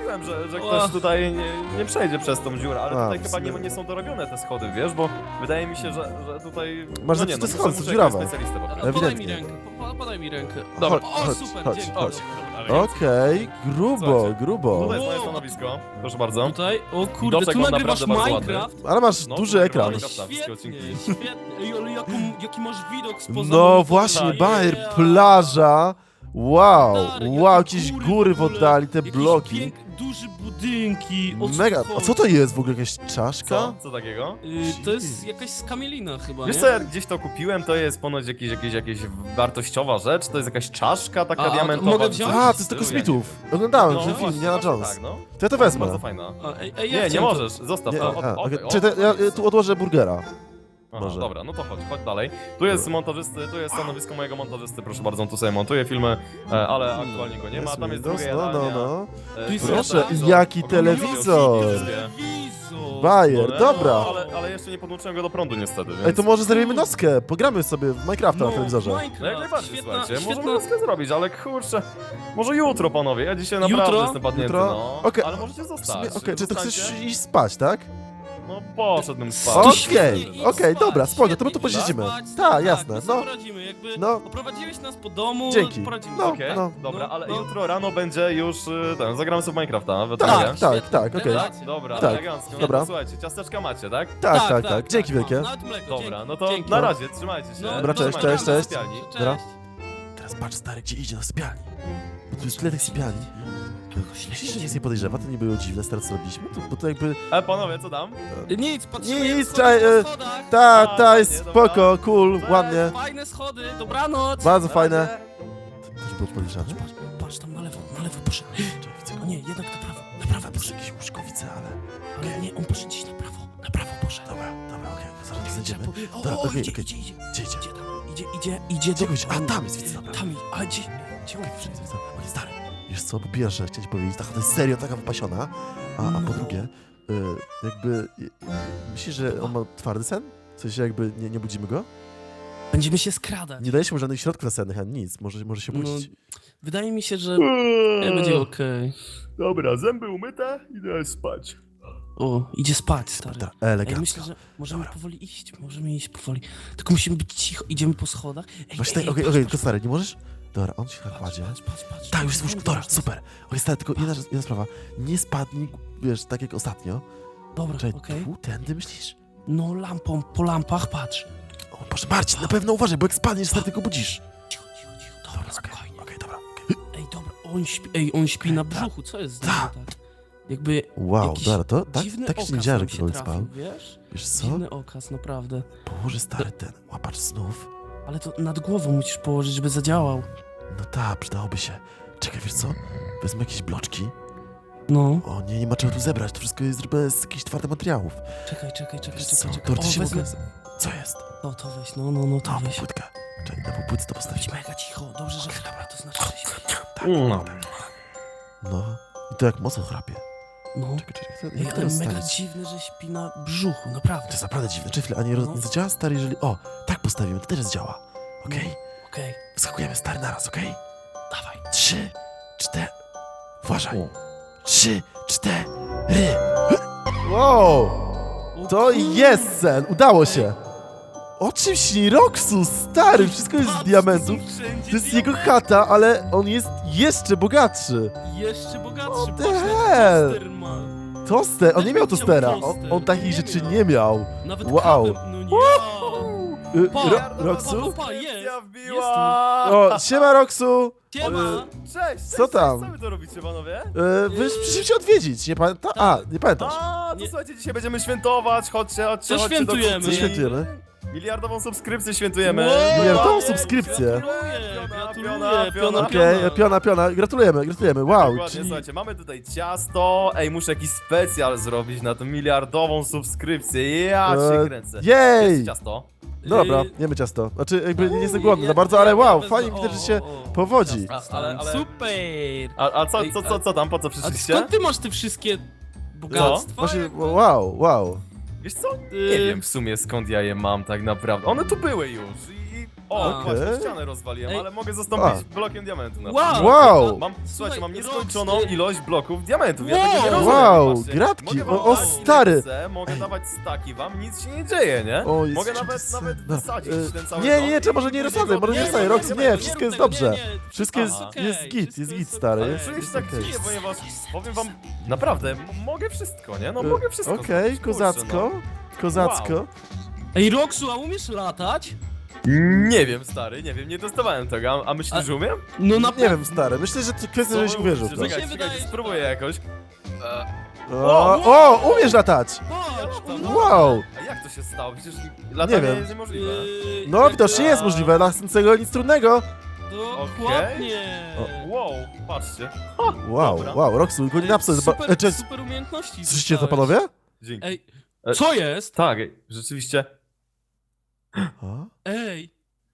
[SPEAKER 3] mówiłem, że, że
[SPEAKER 2] Och.
[SPEAKER 3] ktoś tutaj nie, nie przejdzie przez tą dziurę, ale
[SPEAKER 1] A,
[SPEAKER 3] tutaj
[SPEAKER 1] w
[SPEAKER 3] chyba
[SPEAKER 1] sumie-
[SPEAKER 3] nie, nie są dorobione te schody, wiesz, bo wydaje mi się, że, że tutaj...
[SPEAKER 1] Masz
[SPEAKER 3] no nie,
[SPEAKER 1] zepsute
[SPEAKER 3] no,
[SPEAKER 1] schody,
[SPEAKER 3] muszę-
[SPEAKER 1] są
[SPEAKER 3] muszę
[SPEAKER 1] dziurawe.
[SPEAKER 3] jakiegoś specjalistę
[SPEAKER 2] Dobra,
[SPEAKER 3] poprosić.
[SPEAKER 2] podaj mi
[SPEAKER 1] Ewidentnie.
[SPEAKER 2] rękę, po- podaj mi rękę.
[SPEAKER 3] Dobra.
[SPEAKER 2] O,
[SPEAKER 1] Chodź,
[SPEAKER 2] super,
[SPEAKER 1] chodź,
[SPEAKER 2] dzięki.
[SPEAKER 1] chodź.
[SPEAKER 2] Dobra.
[SPEAKER 1] Okej, grubo,
[SPEAKER 3] Słuchajcie,
[SPEAKER 1] grubo.
[SPEAKER 3] Tutaj jest moje
[SPEAKER 2] Wow.
[SPEAKER 3] stanowisko, proszę bardzo.
[SPEAKER 2] Tutaj, o kurde,
[SPEAKER 3] Widoczek
[SPEAKER 2] tu
[SPEAKER 3] mam
[SPEAKER 2] nagrywasz
[SPEAKER 3] naprawdę bardzo
[SPEAKER 2] Minecraft?
[SPEAKER 1] Ale masz
[SPEAKER 3] No,
[SPEAKER 1] duży
[SPEAKER 3] to
[SPEAKER 1] ekran.
[SPEAKER 3] nagrywamy. Minecrafta, wszystkie
[SPEAKER 2] Świetnie,
[SPEAKER 3] odcinki.
[SPEAKER 2] świetnie. Ej, ale jaką, jaki masz widok spoza
[SPEAKER 1] No
[SPEAKER 2] domu,
[SPEAKER 1] właśnie,
[SPEAKER 2] yeah.
[SPEAKER 1] Bayer, plaża. Wow,
[SPEAKER 2] Stary,
[SPEAKER 1] wow,
[SPEAKER 2] jakie
[SPEAKER 1] jakieś góry w
[SPEAKER 2] ogóle,
[SPEAKER 1] oddali, te
[SPEAKER 2] jakieś
[SPEAKER 1] bloki.
[SPEAKER 2] Pięk, duże budynki. O co
[SPEAKER 1] Mega.
[SPEAKER 2] chodzi?
[SPEAKER 1] A co to jest w ogóle? Jakaś czaszka?
[SPEAKER 3] Co? Co takiego?
[SPEAKER 2] Y, to jest jakaś skamielina chyba,
[SPEAKER 3] Wiesz
[SPEAKER 2] nie?
[SPEAKER 3] co, ja gdzieś to kupiłem, to jest ponoć jakieś, jakieś, jakieś wartościowa rzecz, to jest jakaś czaszka taka
[SPEAKER 2] A, a,
[SPEAKER 3] diamentowa.
[SPEAKER 2] mogę
[SPEAKER 3] czy
[SPEAKER 2] wziąć?
[SPEAKER 3] coś
[SPEAKER 1] A,
[SPEAKER 3] w
[SPEAKER 1] to jest do
[SPEAKER 3] stylu,
[SPEAKER 1] kosmitów. Oglądałem
[SPEAKER 3] No,
[SPEAKER 1] ten film,
[SPEAKER 3] właśnie,
[SPEAKER 1] Indiana
[SPEAKER 3] właśnie
[SPEAKER 1] Jones.
[SPEAKER 3] tak, no.
[SPEAKER 1] To ja to
[SPEAKER 3] Bardzo
[SPEAKER 1] wezmę.
[SPEAKER 3] fajna.
[SPEAKER 2] A, ej, ej, ja
[SPEAKER 3] Nie, nie
[SPEAKER 2] chciałem to-
[SPEAKER 3] możesz, zostaw
[SPEAKER 1] Nie,
[SPEAKER 3] to.
[SPEAKER 1] a,
[SPEAKER 3] O,
[SPEAKER 1] okej.
[SPEAKER 3] okej,
[SPEAKER 1] Czy
[SPEAKER 3] o,
[SPEAKER 1] te, ja
[SPEAKER 3] nice.
[SPEAKER 1] tu odłożę burgera.
[SPEAKER 3] Aha,
[SPEAKER 1] może.
[SPEAKER 3] dobra, no to chodź, chodź dalej. Tu jest montażysty, tu jest stanowisko mojego montażysty, proszę bardzo, on tu sobie montuje filmy, e, ale aktualnie go nie ma, tam jest
[SPEAKER 1] Windows,
[SPEAKER 3] druga
[SPEAKER 1] no, no,
[SPEAKER 3] jadalnia.
[SPEAKER 1] no.
[SPEAKER 3] E,
[SPEAKER 2] Tu jest
[SPEAKER 1] Proszę,
[SPEAKER 2] telewizor.
[SPEAKER 1] jaki
[SPEAKER 3] Oglądam
[SPEAKER 1] telewizor.
[SPEAKER 3] videoklipy.
[SPEAKER 2] Telewizor.
[SPEAKER 1] Bayer,
[SPEAKER 3] No,
[SPEAKER 1] dobra.
[SPEAKER 3] Ale, ale jeszcze nie podłączyłem go do prądu niestety, więc...
[SPEAKER 1] Ej, to może zrobimy nockę. Pogramy sobie w Minecrafta na telewizorze.
[SPEAKER 2] Minecraft,
[SPEAKER 3] No jak najbardziej,
[SPEAKER 2] świetna,
[SPEAKER 3] słuchajcie,
[SPEAKER 2] świetna...
[SPEAKER 3] możemy laskę zrobić, ale kurczę, może jutro panowie, ja dzisiaj
[SPEAKER 2] Jutro?
[SPEAKER 3] naprawdę jestem padnięty,
[SPEAKER 1] Jutro?
[SPEAKER 3] no.
[SPEAKER 1] Okej.
[SPEAKER 3] Ale możecie
[SPEAKER 1] W
[SPEAKER 3] zostać.
[SPEAKER 1] sumie, Okej, czy to
[SPEAKER 3] Zostańcie.
[SPEAKER 1] chcesz iść spać, tak?
[SPEAKER 3] No poszedłbym spać.
[SPEAKER 2] To
[SPEAKER 1] Okej,
[SPEAKER 2] świetnie, idź
[SPEAKER 1] okej,
[SPEAKER 2] spać,
[SPEAKER 1] dobra, spoko, to my
[SPEAKER 2] świetnie,
[SPEAKER 1] tu
[SPEAKER 2] idź
[SPEAKER 1] posiedzimy.
[SPEAKER 2] spać,
[SPEAKER 1] Tak, jasne,
[SPEAKER 2] my
[SPEAKER 1] no.
[SPEAKER 2] sobie poradzimy, jakby
[SPEAKER 1] No.
[SPEAKER 2] oprowadziłeś nas po domu,
[SPEAKER 1] Dzięki.
[SPEAKER 2] poradzimy
[SPEAKER 1] No,
[SPEAKER 2] sobie.
[SPEAKER 3] Okej,
[SPEAKER 1] no.
[SPEAKER 3] dobra,
[SPEAKER 2] No,
[SPEAKER 3] ale
[SPEAKER 2] no.
[SPEAKER 3] jutro rano będzie już, y, ten, zagramy sobie w Minecrafta, we
[SPEAKER 1] Tak,
[SPEAKER 3] trójkę.
[SPEAKER 1] tak,
[SPEAKER 2] Świetnie,
[SPEAKER 1] tak, okej.
[SPEAKER 2] rewelacja.
[SPEAKER 3] Dobra,
[SPEAKER 1] Tak,
[SPEAKER 3] elegancko.
[SPEAKER 1] dobra.
[SPEAKER 3] No, słuchajcie, ciasteczka macie, tak?
[SPEAKER 1] Tak, tak, tak. Dzięki wielkie.
[SPEAKER 2] no, nawet mleko,
[SPEAKER 3] Dobra,
[SPEAKER 2] dzięki,
[SPEAKER 3] no to
[SPEAKER 2] dzięki.
[SPEAKER 3] na razie, trzymajcie się.
[SPEAKER 2] No,
[SPEAKER 1] Dobra, cześć,
[SPEAKER 3] Trzymajcie
[SPEAKER 1] cześć,
[SPEAKER 3] się w
[SPEAKER 1] cześć.
[SPEAKER 3] sypialni.
[SPEAKER 2] Cześć.
[SPEAKER 1] Dobra. Teraz patrz stary, gdzie idzie do sypialni. Bo tu jest tyle tych sypialni. Myślisz, że nic nie podejrzewa? To nie było dziwne, stary, co robiliśmy? To, bo to jakby...
[SPEAKER 3] E, panowie, co tam?
[SPEAKER 2] Nic, patrzymy
[SPEAKER 1] Nic,
[SPEAKER 2] jak schody
[SPEAKER 1] czaj,
[SPEAKER 2] po
[SPEAKER 1] e,
[SPEAKER 2] schodach.
[SPEAKER 1] Ta,
[SPEAKER 3] A,
[SPEAKER 1] ta, jest
[SPEAKER 3] fajnie,
[SPEAKER 1] spoko, cool,
[SPEAKER 3] Cześć.
[SPEAKER 1] ładnie.
[SPEAKER 2] Fajne schody, dobranoc.
[SPEAKER 1] Bardzo
[SPEAKER 3] Na
[SPEAKER 1] fajne.
[SPEAKER 3] razie.
[SPEAKER 1] To już było podejrzane.
[SPEAKER 2] Patrz, patrz tam na lewo, na lewo poszedł.
[SPEAKER 1] Czekaj, widzę go.
[SPEAKER 2] O nie, jednak na prawo, na prawo
[SPEAKER 1] Tam
[SPEAKER 2] poszedł.
[SPEAKER 1] jest jakieś łóżkowice, ale...
[SPEAKER 2] Ale nie, on poszedł gdzieś na prawo, na prawo poszedł.
[SPEAKER 1] Dobra, dobra, okej, zaraz go znajdziemy.
[SPEAKER 2] O,
[SPEAKER 1] Dobra,
[SPEAKER 2] o,
[SPEAKER 1] okej,
[SPEAKER 2] idzie,
[SPEAKER 1] okej.
[SPEAKER 2] idzie, idzie,
[SPEAKER 1] Gdzie idzie?
[SPEAKER 2] idzie tam, idzie, idzie, idzie
[SPEAKER 1] Gdzie
[SPEAKER 2] do...
[SPEAKER 1] goś? A, tam jest, widzę, dobra.
[SPEAKER 2] Tam, ale gdzie, gdzie on
[SPEAKER 1] Okej,
[SPEAKER 2] wszedł?
[SPEAKER 1] widzę, widzę. Okej, stary, wiesz co, po pierwsze, chciałem ci powiedzieć, ta chata jest serio taka wypasiona, a, a po
[SPEAKER 2] No.
[SPEAKER 1] drugie, y, jakby... Y, myślisz, że on ma twardy sen? W sensie jakby nie, nie budzimy go?
[SPEAKER 2] Będziemy się skradać.
[SPEAKER 1] Nie dajesz mu żadnych środków nasennych, ani nic, może, może się
[SPEAKER 2] No,
[SPEAKER 1] budzić.
[SPEAKER 2] wydaje mi się, że nie będzie okej.
[SPEAKER 3] Dobra, zęby umyte, idę spać.
[SPEAKER 2] O, idzie spać, stary.
[SPEAKER 1] Dobra,
[SPEAKER 2] Ej,
[SPEAKER 1] elegancko.
[SPEAKER 2] myślę, że możemy
[SPEAKER 1] Dobra.
[SPEAKER 2] powoli iść, możemy iść powoli. Tylko musimy być cicho, idziemy po schodach. Ej,
[SPEAKER 1] Właśnie
[SPEAKER 2] ej,
[SPEAKER 1] tak, okej,
[SPEAKER 2] patrz,
[SPEAKER 1] okej,
[SPEAKER 2] patrz,
[SPEAKER 1] tylko stary, nie możesz? Dobra, on się tak
[SPEAKER 2] patrz,
[SPEAKER 1] kładzie.
[SPEAKER 2] patrz, patrz, patrz.
[SPEAKER 1] Tak, już jest łóżko,
[SPEAKER 2] Patrz,
[SPEAKER 1] dobra,
[SPEAKER 2] patrz.
[SPEAKER 1] super. Okej, stary, tylko jedna, rzecz- jedna sprawa. Nie spadnij, wiesz, tak jak ostatnio.
[SPEAKER 2] Dobra,
[SPEAKER 1] Czekaj,
[SPEAKER 2] okej.
[SPEAKER 1] tu, tędy myślisz?
[SPEAKER 2] No lampą, po lampach, patrz.
[SPEAKER 1] O Boże, Marcin, na pewno uważaj, bo jak spadniesz, stary, tylko budzisz.
[SPEAKER 2] Cicho, cicho, cicho. Dobra,
[SPEAKER 1] Okej,
[SPEAKER 2] spokojnie.
[SPEAKER 1] okej, dobra. okej.
[SPEAKER 2] Ej, dobra, on śpi, ej, on śpi na brzuchu, co jest z nim
[SPEAKER 1] Tak.
[SPEAKER 2] tak? Jakby
[SPEAKER 1] Wow,
[SPEAKER 2] jakiś
[SPEAKER 1] dobra, to tak,
[SPEAKER 2] dziwny
[SPEAKER 1] tak się nie
[SPEAKER 2] okaz
[SPEAKER 1] widziałem,
[SPEAKER 2] nam
[SPEAKER 1] że
[SPEAKER 2] się
[SPEAKER 1] ktoś
[SPEAKER 2] trafił,
[SPEAKER 1] spał.
[SPEAKER 2] wiesz?
[SPEAKER 1] Wiesz co?
[SPEAKER 2] Dziwny okaz, naprawdę.
[SPEAKER 1] Położy stary ten łapacz snów.
[SPEAKER 2] Ale to nad głową musisz położyć, żeby zadziałał.
[SPEAKER 1] No tak, przydałoby się. Czekaj, wiesz co? Wezmę jakieś bloczki.
[SPEAKER 2] No,
[SPEAKER 1] O nie, nie ma czego tu zebrać, to wszystko jest zrobione z jakichś twardych materiałów.
[SPEAKER 2] czekaj, czekaj, czekaj,
[SPEAKER 1] Wiesz
[SPEAKER 2] czekaj,
[SPEAKER 1] co,
[SPEAKER 2] czekaj.
[SPEAKER 1] to
[SPEAKER 2] O,
[SPEAKER 1] się
[SPEAKER 2] wezmę...
[SPEAKER 1] mogę... Co jest?
[SPEAKER 2] To, to weź, no, no, no, to
[SPEAKER 1] No,
[SPEAKER 2] weź.
[SPEAKER 1] półpłytkę. Czekaj, na półpłytce to
[SPEAKER 2] Być
[SPEAKER 1] postawimy.
[SPEAKER 2] mega cicho, dobrze, że chrapia, to znaczy, że śpi.
[SPEAKER 1] Tak,
[SPEAKER 3] No.
[SPEAKER 1] no. I to jak mocno chrapie.
[SPEAKER 2] No,
[SPEAKER 1] Czekaj, czekaj, to-
[SPEAKER 2] Ej,
[SPEAKER 1] jak to
[SPEAKER 2] ale mega
[SPEAKER 1] rozstawić?
[SPEAKER 2] dziwne, że śpi na brzuchu, naprawdę.
[SPEAKER 1] To jest naprawdę dziwne. Czy chwilę, a nie, roz...
[SPEAKER 2] No.
[SPEAKER 1] nie zadziała stary, jeżeli... O, tak postawimy, to też zadziała. Okej?
[SPEAKER 2] Okej,
[SPEAKER 1] Wskakujemy stary naraz, okej?
[SPEAKER 2] dawaj.
[SPEAKER 1] Trzy, cztery... Uważaj.
[SPEAKER 3] O.
[SPEAKER 1] Trzy, cztery... Wow!
[SPEAKER 2] O
[SPEAKER 1] To
[SPEAKER 2] kurde.
[SPEAKER 1] jest sen! Udało się! O czym śni Roxu, stary? Wszystko jest z
[SPEAKER 2] Patrz,
[SPEAKER 1] diamentów.
[SPEAKER 2] to są wszędzie
[SPEAKER 1] To jest jego chata, ale on jest jeszcze bogatszy.
[SPEAKER 2] Jeszcze bogatszy,
[SPEAKER 1] What the
[SPEAKER 2] patrz, jaki
[SPEAKER 1] hell?
[SPEAKER 2] toster ma.
[SPEAKER 1] Toster, on nie miał
[SPEAKER 2] Chciał
[SPEAKER 1] tostera. On,
[SPEAKER 2] toster.
[SPEAKER 1] on takich
[SPEAKER 2] Nie
[SPEAKER 1] rzeczy
[SPEAKER 2] miał.
[SPEAKER 1] nie miał.
[SPEAKER 2] Nawet
[SPEAKER 1] Wow.
[SPEAKER 2] kawę, no nie.
[SPEAKER 1] Y,
[SPEAKER 2] Pa,
[SPEAKER 1] Ro
[SPEAKER 2] pa,
[SPEAKER 1] Roxu?
[SPEAKER 2] pa, jest.
[SPEAKER 3] Ja
[SPEAKER 2] Jest
[SPEAKER 3] wbiła!
[SPEAKER 1] O, siema Roxu!
[SPEAKER 2] Siema.
[SPEAKER 3] Cześć, cześć,
[SPEAKER 1] Co tam?
[SPEAKER 3] Co wy to robicie, panowie?
[SPEAKER 1] Y, wy przyszliście się odwiedzić, nie pamiętasz? A, nie pamiętasz.
[SPEAKER 3] A, to
[SPEAKER 2] Nie.
[SPEAKER 3] słuchajcie, dzisiaj będziemy świętować, chodźcie, chodźcie,
[SPEAKER 2] Co
[SPEAKER 3] chodźcie do
[SPEAKER 2] świętujemy?
[SPEAKER 1] Co
[SPEAKER 3] kuchni.
[SPEAKER 1] świętujemy?
[SPEAKER 3] Miliardową subskrypcję świętujemy.
[SPEAKER 2] Wow.
[SPEAKER 1] Miliardową
[SPEAKER 3] Dokładnie.
[SPEAKER 1] subskrypcję.
[SPEAKER 2] Gratuluję,
[SPEAKER 3] Piona,
[SPEAKER 2] gratuluję,
[SPEAKER 3] piona,
[SPEAKER 2] piona,
[SPEAKER 3] piona.
[SPEAKER 1] Okej, piona, piona, gratulujemy, gratulujemy, wow.
[SPEAKER 3] Dokładnie,
[SPEAKER 1] Czyli...
[SPEAKER 3] słuchajcie, mamy tutaj ciasto. Ej, muszę jakiś specjal zrobić na tą miliardową subskrypcję. Ja się
[SPEAKER 1] E,
[SPEAKER 3] kręcę.
[SPEAKER 1] Jej!
[SPEAKER 3] Jest ciasto.
[SPEAKER 1] Dobra,
[SPEAKER 2] Y,
[SPEAKER 1] jemy ciasto. Znaczy, jakby nie jestem
[SPEAKER 2] Ja-
[SPEAKER 1] głodny za
[SPEAKER 2] ja-
[SPEAKER 1] bardzo, ale
[SPEAKER 2] ja
[SPEAKER 1] wow,
[SPEAKER 2] wezmę-
[SPEAKER 1] fajnie widać, że się
[SPEAKER 2] o, o.
[SPEAKER 1] powodzi.
[SPEAKER 3] A, ale, ale...
[SPEAKER 2] Super.
[SPEAKER 3] A, a co,
[SPEAKER 2] Ej,
[SPEAKER 3] co, co, co tam, po co
[SPEAKER 2] A
[SPEAKER 3] przyszliście?
[SPEAKER 2] skąd ty masz te wszystkie bogactwa?
[SPEAKER 1] Właśnie,
[SPEAKER 2] jakby?
[SPEAKER 1] wow, wow.
[SPEAKER 3] Wiesz co? Nie
[SPEAKER 2] Y,
[SPEAKER 3] wiem w sumie skąd ja je mam tak naprawdę. One tu były już i... O,
[SPEAKER 2] A.
[SPEAKER 3] właśnie,
[SPEAKER 1] Okej.
[SPEAKER 3] ścianę rozwaliłem,
[SPEAKER 2] Ej.
[SPEAKER 3] ale mogę zastąpić blokiem diamentu na
[SPEAKER 2] Wow!
[SPEAKER 1] Wow.
[SPEAKER 3] Mam,
[SPEAKER 2] Słuchaj,
[SPEAKER 3] słuchajcie, mam
[SPEAKER 2] Rox,
[SPEAKER 3] nieskończoną
[SPEAKER 2] ty-
[SPEAKER 3] ilość bloków diamentów, ja
[SPEAKER 2] Wow.
[SPEAKER 3] tego nie rozumiem.
[SPEAKER 1] Wow,
[SPEAKER 3] patrzcie.
[SPEAKER 1] gratki,
[SPEAKER 3] Mogę wam
[SPEAKER 1] o, o,
[SPEAKER 3] dać ile
[SPEAKER 1] stary.
[SPEAKER 3] Chcę, mogę dawać staki wam, nic się nie dzieje, nie?
[SPEAKER 1] O, jest
[SPEAKER 3] mogę
[SPEAKER 1] jeszcze
[SPEAKER 3] nawet,
[SPEAKER 1] sen.
[SPEAKER 3] nawet
[SPEAKER 1] No,
[SPEAKER 3] wysadzić
[SPEAKER 1] e,
[SPEAKER 3] ten cały
[SPEAKER 1] nie,
[SPEAKER 3] dom
[SPEAKER 1] nie,
[SPEAKER 3] i
[SPEAKER 1] trzeba, może nie
[SPEAKER 3] później
[SPEAKER 1] rozsadzaj,
[SPEAKER 3] go-
[SPEAKER 1] może nie rozsadzaj, Rox, nie, wszystko jest dobrze. Wszystko jest,
[SPEAKER 3] Aha.
[SPEAKER 1] jest git, jest git, stary.
[SPEAKER 3] Ale
[SPEAKER 1] Jest,
[SPEAKER 3] czuję się
[SPEAKER 1] jest
[SPEAKER 3] tak
[SPEAKER 1] okej.
[SPEAKER 3] dziwnie, ponieważ powiem wam, naprawdę, m- mogę wszystko, nie? No
[SPEAKER 1] E,
[SPEAKER 3] mogę wszystko.
[SPEAKER 1] Okej,
[SPEAKER 3] zrobić, kurczę,
[SPEAKER 1] kozacko, kozacko.
[SPEAKER 3] Wow.
[SPEAKER 2] Ej, Roxu, a umiesz latać?
[SPEAKER 3] no. Nie wiem, stary, nie wiem, nie dostawałem tego, a, a myślisz,
[SPEAKER 2] A-
[SPEAKER 3] że umiem?
[SPEAKER 2] No na
[SPEAKER 1] Nie wiem, stary, myślę, że to kwestia, żebyś
[SPEAKER 3] Co?
[SPEAKER 1] uwierzył w to.
[SPEAKER 3] Czekaj,
[SPEAKER 2] się
[SPEAKER 3] czekaj,
[SPEAKER 2] wydaje, że
[SPEAKER 3] spróbuję
[SPEAKER 2] tak.
[SPEAKER 3] jakoś. E,
[SPEAKER 1] O, o, umiesz latać!
[SPEAKER 2] Patrz,
[SPEAKER 3] tam,
[SPEAKER 2] no.
[SPEAKER 1] Wow!
[SPEAKER 3] A jak to się stało? Przecież latanie
[SPEAKER 1] wiem.
[SPEAKER 3] jest niemożliwe.
[SPEAKER 2] Yy,
[SPEAKER 1] No,
[SPEAKER 2] jak-
[SPEAKER 1] widocznie jest możliwe, dla tego nic trudnego.
[SPEAKER 2] Dokładnie.
[SPEAKER 3] O, wow, patrzcie.
[SPEAKER 1] Wow,
[SPEAKER 3] Dobra.
[SPEAKER 1] wow, Roxu, go nie napsuj.
[SPEAKER 2] Super,
[SPEAKER 1] E, cześć,
[SPEAKER 2] super umiejętności.
[SPEAKER 1] słyszycie to,
[SPEAKER 2] dostałeś.
[SPEAKER 1] panowie?
[SPEAKER 3] Dzięki.
[SPEAKER 2] Ej,
[SPEAKER 3] E,
[SPEAKER 2] co jest?
[SPEAKER 3] Tak, rzeczywiście.
[SPEAKER 1] A?
[SPEAKER 2] Ej,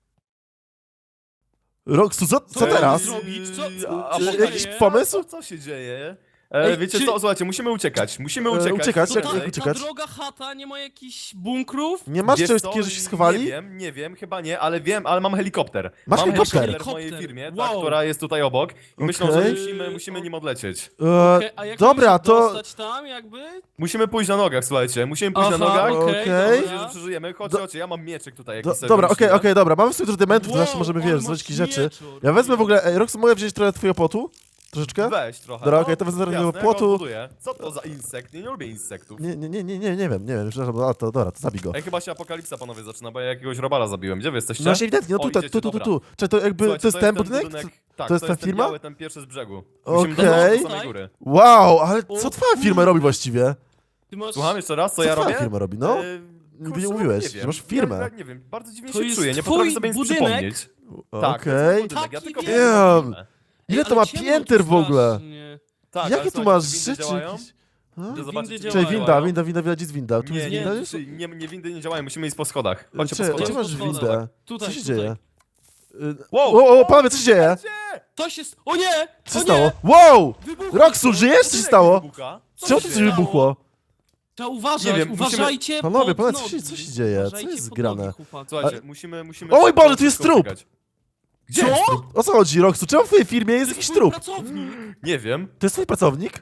[SPEAKER 1] Roxu, co, co
[SPEAKER 2] Co
[SPEAKER 1] teraz?
[SPEAKER 2] zrobić? Co-
[SPEAKER 3] A, a
[SPEAKER 2] czy-
[SPEAKER 3] pogadaj-
[SPEAKER 1] jakiś pomysł?
[SPEAKER 3] Co się dzieje? E,
[SPEAKER 2] Ej,
[SPEAKER 3] wiecie
[SPEAKER 2] czy-
[SPEAKER 3] co, słuchajcie, musimy uciekać, musimy
[SPEAKER 1] E,
[SPEAKER 3] uciekać.
[SPEAKER 1] uciekać,
[SPEAKER 2] to
[SPEAKER 1] jak-
[SPEAKER 2] ta,
[SPEAKER 3] Tutaj.
[SPEAKER 1] jak
[SPEAKER 2] ta
[SPEAKER 1] uciekać?
[SPEAKER 2] droga chata nie ma jakichś bunkrów?
[SPEAKER 1] Nie masz
[SPEAKER 3] Wiesz
[SPEAKER 1] czegoś
[SPEAKER 3] co,
[SPEAKER 1] takiego, że się
[SPEAKER 3] Nie
[SPEAKER 1] schowali?
[SPEAKER 3] wiem, nie wiem, chyba nie, ale wiem, ale mam helikopter.
[SPEAKER 1] Masz
[SPEAKER 3] mam
[SPEAKER 1] helikopter?
[SPEAKER 3] w mojej
[SPEAKER 2] Helikopter,
[SPEAKER 3] firmie,
[SPEAKER 2] wow.
[SPEAKER 3] tak, która jest tutaj obok. I myślą, że
[SPEAKER 1] Okej.
[SPEAKER 3] musimy, musimy nim odlecieć.
[SPEAKER 1] E,
[SPEAKER 2] Okej, a jak
[SPEAKER 1] dobra,
[SPEAKER 2] mamy się
[SPEAKER 1] to...
[SPEAKER 2] dostać tam jakby?
[SPEAKER 3] Musimy pójść na nogach, słuchajcie, musimy pójść
[SPEAKER 2] Aha,
[SPEAKER 3] na nogach.
[SPEAKER 2] okej,
[SPEAKER 1] Okej.
[SPEAKER 3] Myślę, że
[SPEAKER 2] dobra.
[SPEAKER 3] przeżyjemy. Chodźcie,
[SPEAKER 1] Do-
[SPEAKER 3] chodźcie, ja mam mieczek tutaj
[SPEAKER 1] Do,
[SPEAKER 3] jakiś sobie
[SPEAKER 1] dobra, okej,
[SPEAKER 3] wymyśliłem.
[SPEAKER 1] okej, dobra, mamy w sumie dużo dementów, to
[SPEAKER 2] Wow,
[SPEAKER 1] zawsze możemy,
[SPEAKER 2] ale
[SPEAKER 1] wiesz,
[SPEAKER 2] masz
[SPEAKER 1] zrobić jakieś rzeczy.
[SPEAKER 2] mieczor.
[SPEAKER 1] Ja wezmę w ogóle, ej, Roxu, mogę wziąć trochę twojego potu? Troszeczkę?
[SPEAKER 3] Weź trochę.
[SPEAKER 1] Dobra,
[SPEAKER 3] no.
[SPEAKER 1] okej, to wezmę trochę
[SPEAKER 3] Jasne,
[SPEAKER 1] tego
[SPEAKER 3] ja
[SPEAKER 1] płotu.
[SPEAKER 3] go odbuduję. Co to za insekt? Nie, nie lubię insektów.
[SPEAKER 1] Nie, nie, nie, nie, nie, nie wiem, nie wiem, przepraszam, a, to dobra, to zabij go.
[SPEAKER 3] Ej, chyba się apokalipsa, panowie, zaczyna, bo ja jakiegoś robala zabiłem. Gdzie wy jesteście?
[SPEAKER 1] No właśnie ewidentnie, no
[SPEAKER 3] O,
[SPEAKER 1] tutaj,
[SPEAKER 3] idziecie,
[SPEAKER 1] tu, tu, tu,
[SPEAKER 3] dobra.
[SPEAKER 1] tu. Czy to jakby,
[SPEAKER 3] Słuchajcie,
[SPEAKER 1] to jest ten budynek?
[SPEAKER 3] Tak,
[SPEAKER 1] To jest ta
[SPEAKER 3] ten
[SPEAKER 1] firma?
[SPEAKER 3] biały, ten pierwszy z brzegu.
[SPEAKER 1] Okej.
[SPEAKER 3] Musimy dojść do
[SPEAKER 2] Tutaj?
[SPEAKER 3] samej góry.
[SPEAKER 1] Wow, ale co
[SPEAKER 2] O
[SPEAKER 1] twoja firma robi właściwie?
[SPEAKER 2] Ty masz...
[SPEAKER 3] Słucham jeszcze raz, co,
[SPEAKER 1] Co
[SPEAKER 3] ja
[SPEAKER 1] twoja
[SPEAKER 3] robię?
[SPEAKER 1] firma robi, no?
[SPEAKER 3] E,
[SPEAKER 1] Nigdy
[SPEAKER 3] kurczę,
[SPEAKER 1] nie
[SPEAKER 3] no,
[SPEAKER 1] mówiłeś,
[SPEAKER 3] nie
[SPEAKER 1] że
[SPEAKER 3] wiem.
[SPEAKER 1] masz firmę.
[SPEAKER 3] Ja, ja nie wiem, bardzo dziwnie
[SPEAKER 2] To
[SPEAKER 3] się
[SPEAKER 2] jest
[SPEAKER 3] czuję, nie
[SPEAKER 2] twój
[SPEAKER 3] potrafię sobie nic
[SPEAKER 2] budynek?
[SPEAKER 3] przypomnieć. Tak, to
[SPEAKER 1] Okej.
[SPEAKER 3] jest mój budynek, ja
[SPEAKER 2] Taki
[SPEAKER 3] tylko
[SPEAKER 2] wielki.
[SPEAKER 1] Wiem.
[SPEAKER 3] wiem.
[SPEAKER 1] Ile
[SPEAKER 2] Ej,
[SPEAKER 1] to
[SPEAKER 2] ale
[SPEAKER 1] ma
[SPEAKER 2] ciemno
[SPEAKER 1] pięter
[SPEAKER 2] tu
[SPEAKER 1] w ogóle?
[SPEAKER 2] strasznie.
[SPEAKER 3] Tak, ale
[SPEAKER 1] Jakie tu
[SPEAKER 3] słuchajcie,
[SPEAKER 1] masz
[SPEAKER 3] czy windy
[SPEAKER 1] rzeczy
[SPEAKER 3] działają?
[SPEAKER 1] jakieś? A?
[SPEAKER 3] Idę zobaczyć,
[SPEAKER 2] Windy
[SPEAKER 3] czy
[SPEAKER 1] Czekaj,
[SPEAKER 2] działają.
[SPEAKER 1] winda, winda, winda, widać jest winda. Tu
[SPEAKER 3] Nie,
[SPEAKER 1] jest
[SPEAKER 3] nie,
[SPEAKER 1] winda
[SPEAKER 3] nie,
[SPEAKER 1] już?
[SPEAKER 3] czy- nie, nie, windy nie działają, musimy iść po schodach. Chodźcie po
[SPEAKER 1] Cze- Gdzie
[SPEAKER 3] schodach.
[SPEAKER 1] masz
[SPEAKER 2] Po schodach.
[SPEAKER 1] windę?
[SPEAKER 2] Tutaj,
[SPEAKER 1] Co się
[SPEAKER 2] tutaj.
[SPEAKER 1] dzieje? Y,
[SPEAKER 3] Wow!
[SPEAKER 1] O, o, panowie, co się dzieje?
[SPEAKER 3] Gdzie?
[SPEAKER 2] To się... s- O nie!
[SPEAKER 1] Co
[SPEAKER 2] o
[SPEAKER 1] się stało?
[SPEAKER 2] Nie!
[SPEAKER 1] Wow!
[SPEAKER 2] Wybuchło
[SPEAKER 1] Roxu,
[SPEAKER 2] to.
[SPEAKER 1] żyjesz? Co się
[SPEAKER 3] Budynek
[SPEAKER 1] stało?
[SPEAKER 3] wybucha. Co
[SPEAKER 1] Czemu
[SPEAKER 3] się
[SPEAKER 1] to
[SPEAKER 3] dzieje?
[SPEAKER 1] coś wybuchło?
[SPEAKER 2] Trzeba uważać,
[SPEAKER 3] Nie wiem, musimy-
[SPEAKER 2] uważajcie
[SPEAKER 1] Panowie,
[SPEAKER 2] pod
[SPEAKER 1] panowie, co się-
[SPEAKER 2] nogi.
[SPEAKER 1] co się dzieje? Co
[SPEAKER 2] Uważajcie
[SPEAKER 1] jest
[SPEAKER 2] pod
[SPEAKER 1] grane?
[SPEAKER 2] nogi, chłopaki.
[SPEAKER 3] Słuchajcie, musimy, musimy...
[SPEAKER 1] O mój
[SPEAKER 3] szybko
[SPEAKER 1] Boże, tu jest trup!
[SPEAKER 3] uciekać. Gdzie
[SPEAKER 2] Co?
[SPEAKER 3] jest trup?
[SPEAKER 1] O co chodzi, Roxu? Czemu w twojej firmie jest
[SPEAKER 2] To
[SPEAKER 1] jakiś
[SPEAKER 2] twój
[SPEAKER 1] trup?
[SPEAKER 2] pracownik.
[SPEAKER 3] Nie wiem,
[SPEAKER 1] To jest twój pracownik?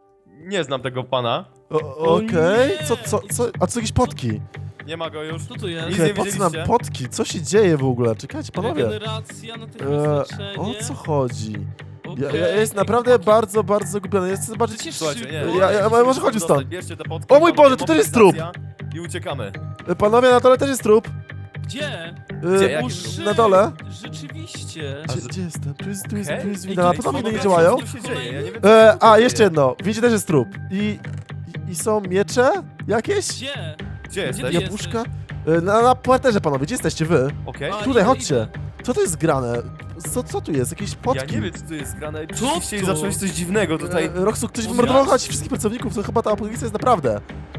[SPEAKER 3] nie znam tego pana.
[SPEAKER 1] O-
[SPEAKER 2] O
[SPEAKER 1] Okej,
[SPEAKER 2] nie!
[SPEAKER 1] co, co, co, a co jakieś potki?
[SPEAKER 3] Nie ma go już.
[SPEAKER 2] Co tu jest?
[SPEAKER 3] Nic
[SPEAKER 1] Okej,
[SPEAKER 3] nie
[SPEAKER 1] po co nam
[SPEAKER 3] widzieliście?
[SPEAKER 1] potki? Co się dzieje w ogóle? Czekajcie, panowie.
[SPEAKER 2] Regeneracja,
[SPEAKER 1] E,
[SPEAKER 2] natychmiast
[SPEAKER 1] o
[SPEAKER 2] leczenie.
[SPEAKER 1] co chodzi? Ja,
[SPEAKER 2] Okej.
[SPEAKER 1] ja jestem naprawdę bardzo, bardzo zgubiony. Ja chcę zobaczyć...
[SPEAKER 2] Przecież
[SPEAKER 3] Słuchajcie, nie.
[SPEAKER 2] szybko.
[SPEAKER 1] Ja- ja-
[SPEAKER 3] musimy
[SPEAKER 1] może chodźmy
[SPEAKER 3] dostać.
[SPEAKER 1] stąd.
[SPEAKER 3] Bierzcie te potki,
[SPEAKER 1] O mój
[SPEAKER 3] panowie,
[SPEAKER 1] Boże, tutaj jest trup!
[SPEAKER 3] mobilizacja I uciekamy.
[SPEAKER 1] E, Panowie, na dole też jest trup.
[SPEAKER 2] Gdzie?
[SPEAKER 1] E,
[SPEAKER 3] Gdzie?
[SPEAKER 2] O,
[SPEAKER 3] Jaki
[SPEAKER 2] shit,
[SPEAKER 1] na dole?
[SPEAKER 2] Rzeczywiście.
[SPEAKER 3] A
[SPEAKER 1] Gdzie,
[SPEAKER 3] z-
[SPEAKER 1] gdzie jestem? Tu jest, tu jest,
[SPEAKER 3] Okej.
[SPEAKER 1] tu jest
[SPEAKER 2] Ej,
[SPEAKER 1] winda. Na
[SPEAKER 2] ej,
[SPEAKER 1] pewno windy nie
[SPEAKER 2] panowie,
[SPEAKER 1] działają.
[SPEAKER 3] Co tu się dzieje? Ja nie wiem, co
[SPEAKER 1] E,
[SPEAKER 3] tu
[SPEAKER 1] a,
[SPEAKER 3] się
[SPEAKER 1] jeszcze
[SPEAKER 3] dzieje.
[SPEAKER 1] jedno. Wiecie, też jest trup. I, i, i są miecze jakieś?
[SPEAKER 2] Gdzie?
[SPEAKER 3] Gdzie jesteś?
[SPEAKER 2] ty
[SPEAKER 1] Jabłuszka? E, Na, na parterze, panowie, gdzie jesteście wy?
[SPEAKER 3] Okej.
[SPEAKER 2] A,
[SPEAKER 1] Tutaj,
[SPEAKER 2] idę,
[SPEAKER 1] chodźcie.
[SPEAKER 2] idę.
[SPEAKER 1] Co to jest grane? Co, co tu jest? Jakieś
[SPEAKER 3] Ja
[SPEAKER 1] potki?
[SPEAKER 3] nie wiem, co tu jest grane.
[SPEAKER 2] Co
[SPEAKER 3] Rzeczywiście
[SPEAKER 2] to?
[SPEAKER 3] zacząłeś coś dziwnego tutaj.
[SPEAKER 1] E, Roxu, ktoś
[SPEAKER 2] O,
[SPEAKER 1] wymordował
[SPEAKER 2] ja-
[SPEAKER 1] choć wszystkich pracowników, to chyba ta apokalipsa jest naprawdę.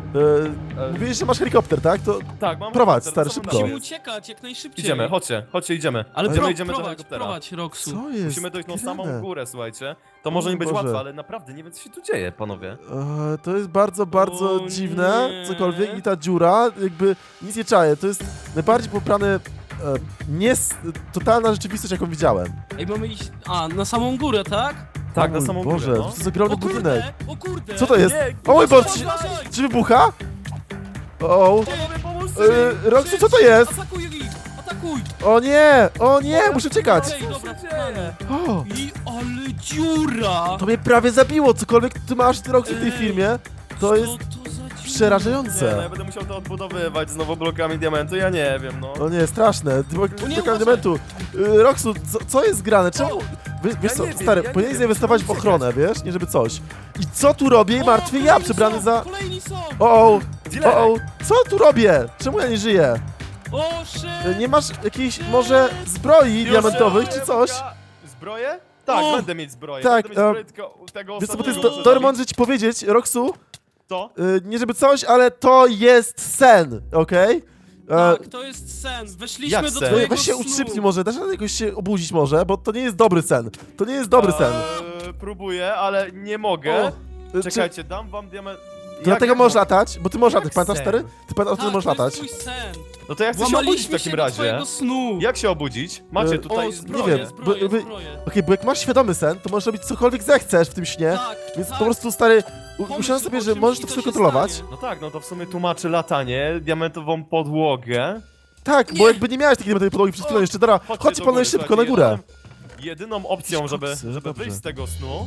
[SPEAKER 1] E,
[SPEAKER 3] E,
[SPEAKER 1] mówiłeś, że masz helikopter, tak? To
[SPEAKER 3] Tak, mam
[SPEAKER 1] prowadź,
[SPEAKER 3] helikopter,
[SPEAKER 1] stary,
[SPEAKER 3] co mam
[SPEAKER 1] szybko.
[SPEAKER 3] na
[SPEAKER 2] Musimy
[SPEAKER 3] nim?
[SPEAKER 2] uciekać jak najszybciej.
[SPEAKER 3] Idziemy, chodźcie, chodźcie, idziemy.
[SPEAKER 2] Ale
[SPEAKER 3] Idziemy,
[SPEAKER 2] pro,
[SPEAKER 3] idziemy do
[SPEAKER 2] prowadź,
[SPEAKER 3] helikoptera.
[SPEAKER 2] prowadź, Roxu.
[SPEAKER 1] co jest?
[SPEAKER 3] Musimy dojść na samą
[SPEAKER 1] grane?
[SPEAKER 3] górę, słuchajcie. To może nie być
[SPEAKER 1] Boże.
[SPEAKER 3] łatwe, ale naprawdę nie wiem, co się tu dzieje, panowie.
[SPEAKER 1] E, to jest bardzo, bardzo
[SPEAKER 2] O
[SPEAKER 1] dziwne,
[SPEAKER 2] nie.
[SPEAKER 1] cokolwiek i ta dziura, jakby nic nie czaję. To jest najbardziej poprany, e, nie s- totalna rzeczywistość, jaką widziałem.
[SPEAKER 2] Ej, mamy iść... A, na samą górę, tak?
[SPEAKER 3] Tak,
[SPEAKER 1] O
[SPEAKER 3] na
[SPEAKER 1] mój
[SPEAKER 3] samą
[SPEAKER 1] Boże,
[SPEAKER 3] górę, no.
[SPEAKER 1] to jest ogromny
[SPEAKER 2] O kurde,
[SPEAKER 1] budynek.
[SPEAKER 2] o kurde.
[SPEAKER 1] Co to jest?
[SPEAKER 3] Nie,
[SPEAKER 1] O mój Boże, czy,
[SPEAKER 2] Uważaj!
[SPEAKER 1] czy wybucha? O,
[SPEAKER 3] Panowie, pomóżcie
[SPEAKER 1] e, Roxu, co to jest?
[SPEAKER 2] Atakuj ich! Atakuj!
[SPEAKER 1] O nie, o nie, muszę czekać.
[SPEAKER 2] Okej, dobra,
[SPEAKER 3] się
[SPEAKER 2] czekamy.
[SPEAKER 1] O,
[SPEAKER 2] I ale dziura!
[SPEAKER 1] to mnie prawie zabiło, cokolwiek ty masz, ty Roxu, w tej
[SPEAKER 2] Ej,
[SPEAKER 1] firmie. To
[SPEAKER 2] Co
[SPEAKER 1] jest
[SPEAKER 2] to za dziura?
[SPEAKER 3] Nie, no ja
[SPEAKER 1] przerażające.
[SPEAKER 3] będę musiał to odbudowywać znowu blokami diamentu, ja nie wiem, no.
[SPEAKER 1] O nie, straszne. Ty
[SPEAKER 2] nie,
[SPEAKER 1] Blokami
[SPEAKER 2] uważaj.
[SPEAKER 1] diamentu. Y, Roxu, co, co jest grane? Czemu? Wiesz, wiesz
[SPEAKER 3] Ja
[SPEAKER 1] co,
[SPEAKER 3] nie wiem,
[SPEAKER 1] stary,
[SPEAKER 3] ja nie
[SPEAKER 1] powinieneś
[SPEAKER 3] wiem,
[SPEAKER 1] zainwestować w
[SPEAKER 3] musimy
[SPEAKER 1] ochronę, wiesz? Nie żeby coś. I co tu robię?
[SPEAKER 2] O,
[SPEAKER 1] Martwy ja,
[SPEAKER 2] kolejni
[SPEAKER 1] przebrany
[SPEAKER 2] są,
[SPEAKER 1] za...
[SPEAKER 2] Kolejni są!
[SPEAKER 1] O, o,
[SPEAKER 3] Dilerek.
[SPEAKER 1] o, o, co tu robię? Czemu ja nie żyję?
[SPEAKER 2] O,
[SPEAKER 1] Y,
[SPEAKER 2] shit!
[SPEAKER 1] Nie masz jakiejś może zbroi
[SPEAKER 3] Już,
[SPEAKER 1] diamentowych
[SPEAKER 3] e,
[SPEAKER 1] czy coś?
[SPEAKER 3] jabłka- Zbroję? Tak,
[SPEAKER 2] O!
[SPEAKER 3] będę mieć zbroję.
[SPEAKER 1] Tak,
[SPEAKER 3] będę mieć
[SPEAKER 1] e,
[SPEAKER 3] zbroję, tylko tego
[SPEAKER 1] Wiesz co, bo to jest
[SPEAKER 3] ostatniego
[SPEAKER 1] do,
[SPEAKER 3] muszę
[SPEAKER 1] dobry moment, że ci powiedzieć, Roxu,
[SPEAKER 3] To?
[SPEAKER 1] y, nie żeby coś, ale to jest sen, okej? E,
[SPEAKER 2] Tak, to jest sen. Weszliśmy
[SPEAKER 3] Jak
[SPEAKER 2] do
[SPEAKER 3] sen?
[SPEAKER 1] no,
[SPEAKER 2] twojego
[SPEAKER 1] weź się
[SPEAKER 2] snu.
[SPEAKER 1] utrzypnij może, dasz radę jakoś się obudzić może, bo to nie jest dobry sen. To nie jest dobry sen.
[SPEAKER 3] Eee, próbuję, ale nie mogę.
[SPEAKER 1] Y, czy-
[SPEAKER 3] Czekajcie, dam wam diament...
[SPEAKER 1] To dlatego
[SPEAKER 3] jak
[SPEAKER 1] możesz
[SPEAKER 3] mo-
[SPEAKER 1] latać, bo ty możesz
[SPEAKER 3] Jak
[SPEAKER 1] latać, pamiętasz
[SPEAKER 3] sen?
[SPEAKER 1] stary? Ty pamiętasz, że
[SPEAKER 2] Tak,
[SPEAKER 1] możesz
[SPEAKER 2] to
[SPEAKER 1] latać?
[SPEAKER 2] jest mój sen.
[SPEAKER 3] No to ja chcę się obudzić w
[SPEAKER 2] Łamaliśmy
[SPEAKER 3] takim
[SPEAKER 2] się do
[SPEAKER 3] razie.
[SPEAKER 2] twojego snu.
[SPEAKER 3] Jak się obudzić? Macie
[SPEAKER 1] E,
[SPEAKER 3] tutaj
[SPEAKER 2] o,
[SPEAKER 3] zbroję.
[SPEAKER 2] zbroję,
[SPEAKER 1] wiem,
[SPEAKER 2] zbroję,
[SPEAKER 1] bo- bo-
[SPEAKER 2] zbroję.
[SPEAKER 1] Okej, bo jak masz świadomy sen, to możesz robić cokolwiek zechcesz w tym śnie,
[SPEAKER 2] Tak,
[SPEAKER 1] więc
[SPEAKER 2] tak.
[SPEAKER 1] po prostu stary, u-
[SPEAKER 2] Pomyśl
[SPEAKER 1] myślałem
[SPEAKER 2] o
[SPEAKER 1] sobie, że
[SPEAKER 2] czymś
[SPEAKER 1] możesz
[SPEAKER 2] i
[SPEAKER 1] to
[SPEAKER 2] to
[SPEAKER 1] wszystko
[SPEAKER 2] się
[SPEAKER 1] kontrolować.
[SPEAKER 2] stanie.
[SPEAKER 3] No tak, no to w sumie tłumaczy latanie, diamentową podłogę.
[SPEAKER 1] Tak, bo
[SPEAKER 2] Nie.
[SPEAKER 1] jakby nie miałeś takiej diamentowej podłogi przed chwilą jeszcze, dobra,
[SPEAKER 3] Chodźcie
[SPEAKER 1] chodźcie
[SPEAKER 3] do
[SPEAKER 1] panowie
[SPEAKER 3] góry,
[SPEAKER 1] szybko na
[SPEAKER 3] słuchajcie,
[SPEAKER 1] górę.
[SPEAKER 3] jedyną- Jedyną opcją, żeby,
[SPEAKER 1] Koksy,
[SPEAKER 3] żeby
[SPEAKER 1] dobrze.
[SPEAKER 3] wyjść z tego snu.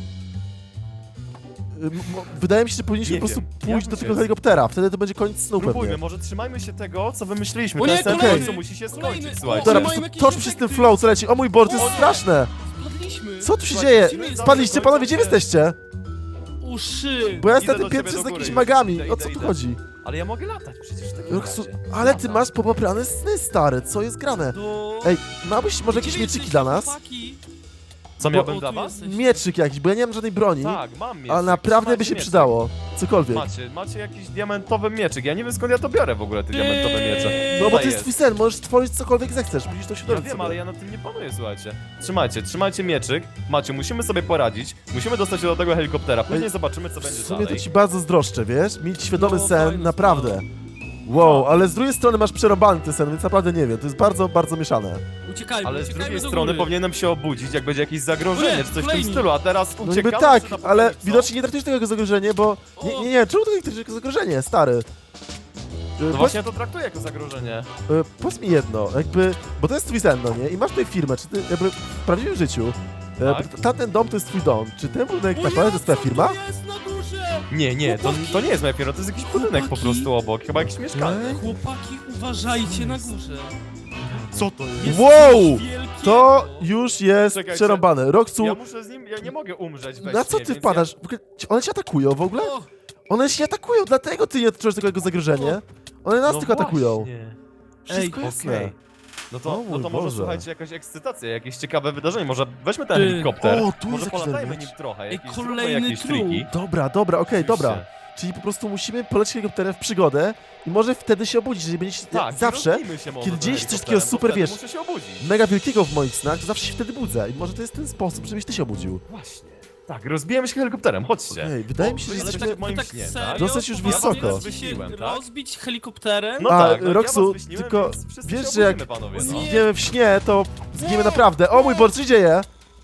[SPEAKER 1] Y, m- Wydaje mi się, że powinniśmy
[SPEAKER 3] Nie
[SPEAKER 1] po prostu
[SPEAKER 3] wiem,
[SPEAKER 1] pójść
[SPEAKER 3] jak
[SPEAKER 1] do
[SPEAKER 3] to
[SPEAKER 1] tego
[SPEAKER 3] jest?
[SPEAKER 1] helikoptera, wtedy to będzie koniec snu
[SPEAKER 3] Spróbujmy,
[SPEAKER 1] pewnie.
[SPEAKER 3] może trzymajmy się tego, co wymyśliliśmy.
[SPEAKER 2] O
[SPEAKER 3] Ten
[SPEAKER 2] nie,
[SPEAKER 3] sen w
[SPEAKER 1] kolejny!
[SPEAKER 3] końcu musi się
[SPEAKER 2] Kolejny!
[SPEAKER 3] skończyć,
[SPEAKER 2] O,
[SPEAKER 3] słuchajcie.
[SPEAKER 1] Dobra,
[SPEAKER 2] Oni
[SPEAKER 1] po
[SPEAKER 2] mają
[SPEAKER 1] prostu
[SPEAKER 2] jakieś
[SPEAKER 1] tocz przez ten
[SPEAKER 2] efekty.
[SPEAKER 1] flow, co leci. O mój Boże, to jest
[SPEAKER 2] O nie.
[SPEAKER 1] straszne!
[SPEAKER 2] Spadliśmy.
[SPEAKER 1] Co tu się
[SPEAKER 3] Słuchajcie,
[SPEAKER 1] dzieje?
[SPEAKER 3] lecimy
[SPEAKER 1] Spadliście, panowie, gdzie wy jesteście?
[SPEAKER 2] Uszy.
[SPEAKER 1] Bo ja
[SPEAKER 3] Idę
[SPEAKER 1] jestem
[SPEAKER 3] do
[SPEAKER 1] tym
[SPEAKER 3] ciebie
[SPEAKER 1] piętrze
[SPEAKER 3] do
[SPEAKER 1] z
[SPEAKER 3] góry
[SPEAKER 1] jakimiś
[SPEAKER 3] już.
[SPEAKER 1] magami.
[SPEAKER 3] Idę,
[SPEAKER 1] O
[SPEAKER 3] idę,
[SPEAKER 1] co tu
[SPEAKER 3] idę.
[SPEAKER 1] chodzi?
[SPEAKER 3] Ale ja mogę latać przecież w takim
[SPEAKER 1] Roksu,
[SPEAKER 3] razie.
[SPEAKER 1] ale ty masz popaprane sny, stary, co jest grane?
[SPEAKER 2] Do...
[SPEAKER 1] Ej, miałbyś może
[SPEAKER 2] Gdzie
[SPEAKER 1] jakieś
[SPEAKER 2] wy
[SPEAKER 1] mieczyki
[SPEAKER 2] jesteście,
[SPEAKER 1] dla nas?
[SPEAKER 2] chłopaki?
[SPEAKER 3] Co miałbym
[SPEAKER 2] O,
[SPEAKER 3] dla
[SPEAKER 2] tu
[SPEAKER 3] was?
[SPEAKER 2] jesteście.
[SPEAKER 1] Mieczyk jakiś, bo ja nie mam żadnej broni,
[SPEAKER 3] Tak, mam mieczyk.
[SPEAKER 1] ale naprawdę by
[SPEAKER 3] Macie
[SPEAKER 1] się
[SPEAKER 3] mieczyk.
[SPEAKER 1] przydało. Cokolwiek.
[SPEAKER 3] Macie, macie jakiś diamentowy mieczyk. Ja nie wiem skąd ja to biorę w ogóle, te diamentowe miecze.
[SPEAKER 1] No bo
[SPEAKER 3] Tutaj
[SPEAKER 1] to jest twój sen, możesz tworzyć cokolwiek zechcesz, musisz to się
[SPEAKER 3] Ja
[SPEAKER 1] dowiedzieć
[SPEAKER 3] wiem,
[SPEAKER 1] sobie.
[SPEAKER 3] ale ja nad tym nie panuję, słuchajcie. Trzymajcie, trzymajcie mieczyk. Macie, musimy sobie poradzić. Musimy dostać się do tego helikoptera. Później
[SPEAKER 1] Ej,
[SPEAKER 3] zobaczymy, co
[SPEAKER 1] W
[SPEAKER 3] będzie
[SPEAKER 1] sumie to
[SPEAKER 3] dalej.
[SPEAKER 1] ci bardzo zdroszczę, wiesz? Mieć świadomy
[SPEAKER 2] No,
[SPEAKER 1] sen,
[SPEAKER 2] fajna
[SPEAKER 1] naprawdę.
[SPEAKER 2] sprawa.
[SPEAKER 1] Wow, ale z drugiej strony masz przerobany ten sen, więc naprawdę nie wiem, to jest bardzo, bardzo mieszane.
[SPEAKER 2] Uciekajmy,
[SPEAKER 3] Ale z
[SPEAKER 2] uciekajmy
[SPEAKER 3] drugiej
[SPEAKER 2] do
[SPEAKER 3] strony
[SPEAKER 2] góry.
[SPEAKER 3] powinienem się obudzić, jak będzie jakieś
[SPEAKER 2] O
[SPEAKER 3] zagrożenie,
[SPEAKER 2] nie,
[SPEAKER 3] czy coś w tym
[SPEAKER 2] kolejni.
[SPEAKER 3] stylu, a teraz
[SPEAKER 1] No
[SPEAKER 3] uciekamy
[SPEAKER 1] niby tak,
[SPEAKER 3] przed
[SPEAKER 1] ale
[SPEAKER 3] apokalipsą.
[SPEAKER 1] widocznie nie traktujesz tego jako zagrożenie, bo... Nie, nie, nie, czemu to nie traktujesz jako zagrożenie, stary? Y,
[SPEAKER 3] No
[SPEAKER 1] powiedz-
[SPEAKER 3] właśnie ja to traktuję jako zagrożenie.
[SPEAKER 1] y, Powiedz mi jedno, jakby... Bo to jest twój sen, no nie? I masz tutaj firmę, czy ty jakby w prawdziwym życiu...
[SPEAKER 3] Tak.
[SPEAKER 1] Tak? Tamten dom to jest twój dom. Czy ten budynek
[SPEAKER 2] O
[SPEAKER 1] naprawdę to
[SPEAKER 2] ja,
[SPEAKER 1] jest twoja
[SPEAKER 2] co
[SPEAKER 1] firma?
[SPEAKER 2] to jest na górze?
[SPEAKER 3] Nie, nie, to, to nie jest moja firma, to jest jakiś budynek po
[SPEAKER 2] Chłopaki.
[SPEAKER 3] prostu obok, chyba jakieś mieszkanie.
[SPEAKER 1] Ej.
[SPEAKER 2] Chłopaki, uważajcie na górze.
[SPEAKER 3] Co to jest?
[SPEAKER 2] Jest
[SPEAKER 1] Wow!
[SPEAKER 2] coś wielkiego.
[SPEAKER 1] To już jest
[SPEAKER 3] Czekajcie.
[SPEAKER 1] przerąbane. Roxu,
[SPEAKER 3] Ja muszę z nim, ja nie mogę umrzeć we
[SPEAKER 1] na
[SPEAKER 3] śnie,
[SPEAKER 1] co ty
[SPEAKER 3] więc
[SPEAKER 1] wpadasz? W ogóle, czy one cię atakują w ogóle?
[SPEAKER 2] O,
[SPEAKER 1] One się atakują, dlatego ty nie odczuwasz tego jako zagrożenie. One
[SPEAKER 3] Ja...
[SPEAKER 1] nas
[SPEAKER 3] No
[SPEAKER 1] tylko atakują.
[SPEAKER 3] właśnie.
[SPEAKER 1] Wszystko
[SPEAKER 2] Ej,
[SPEAKER 1] jasne.
[SPEAKER 3] Okej. No to,
[SPEAKER 1] O
[SPEAKER 3] no
[SPEAKER 1] mój
[SPEAKER 3] to może
[SPEAKER 1] Boże.
[SPEAKER 3] słuchajcie, jakaś ekscytacja, jakieś ciekawe wydarzenie, może weźmy ten
[SPEAKER 2] Ty.
[SPEAKER 3] helikopter,
[SPEAKER 1] O, tu jest
[SPEAKER 3] może
[SPEAKER 1] jakiś
[SPEAKER 3] polatajmy
[SPEAKER 1] element.
[SPEAKER 3] nim trochę,
[SPEAKER 2] Ej,
[SPEAKER 3] jakieś,
[SPEAKER 2] kolejny
[SPEAKER 3] zróbmy jakieś
[SPEAKER 2] trup.
[SPEAKER 3] triki.
[SPEAKER 1] Dobra, dobra, okej, dobra.
[SPEAKER 3] Oczywiście.
[SPEAKER 1] Czyli po prostu musimy polecieć helikopterem w przygodę i może wtedy się obudzić, jeżeli będzie się
[SPEAKER 3] Tak,
[SPEAKER 1] zawsze
[SPEAKER 3] rozbijmy się może
[SPEAKER 1] kiedy
[SPEAKER 3] tym
[SPEAKER 1] dzieje się coś
[SPEAKER 3] helikopterem,
[SPEAKER 1] takiego super,
[SPEAKER 3] bo wtedy
[SPEAKER 1] wiesz,
[SPEAKER 3] muszę się obudzić.
[SPEAKER 1] mega wielkiego w moich snach, to zawsze się wtedy budzę. I może to jest ten sposób, żebyś ty się obudził.
[SPEAKER 3] Właśnie. Tak, rozbijemy się helikopterem, chodźcie.
[SPEAKER 1] Okej, wydaje
[SPEAKER 3] O,
[SPEAKER 1] mi się,
[SPEAKER 3] wy
[SPEAKER 1] że
[SPEAKER 2] ale
[SPEAKER 3] jesteście
[SPEAKER 1] jesteśmy...
[SPEAKER 3] w moim
[SPEAKER 2] tak
[SPEAKER 3] śnie,
[SPEAKER 2] serio?
[SPEAKER 3] tak?
[SPEAKER 1] Dosyć już
[SPEAKER 2] Poważnie
[SPEAKER 1] wysoko.
[SPEAKER 2] chcecie się
[SPEAKER 3] Wyśniłem, tak?
[SPEAKER 2] rozbić helikopterem?
[SPEAKER 3] No
[SPEAKER 1] A,
[SPEAKER 3] tak, no,
[SPEAKER 1] Roxu,
[SPEAKER 3] ja was wyśniłem,
[SPEAKER 1] tylko
[SPEAKER 3] więc wszyscy
[SPEAKER 1] wiesz,
[SPEAKER 3] się
[SPEAKER 1] że jak
[SPEAKER 3] obudzimy, panowie, no.
[SPEAKER 2] Nie.
[SPEAKER 1] zginiemy w śnie, to zginiemy naprawdę. O mój Boże, co się dzieje?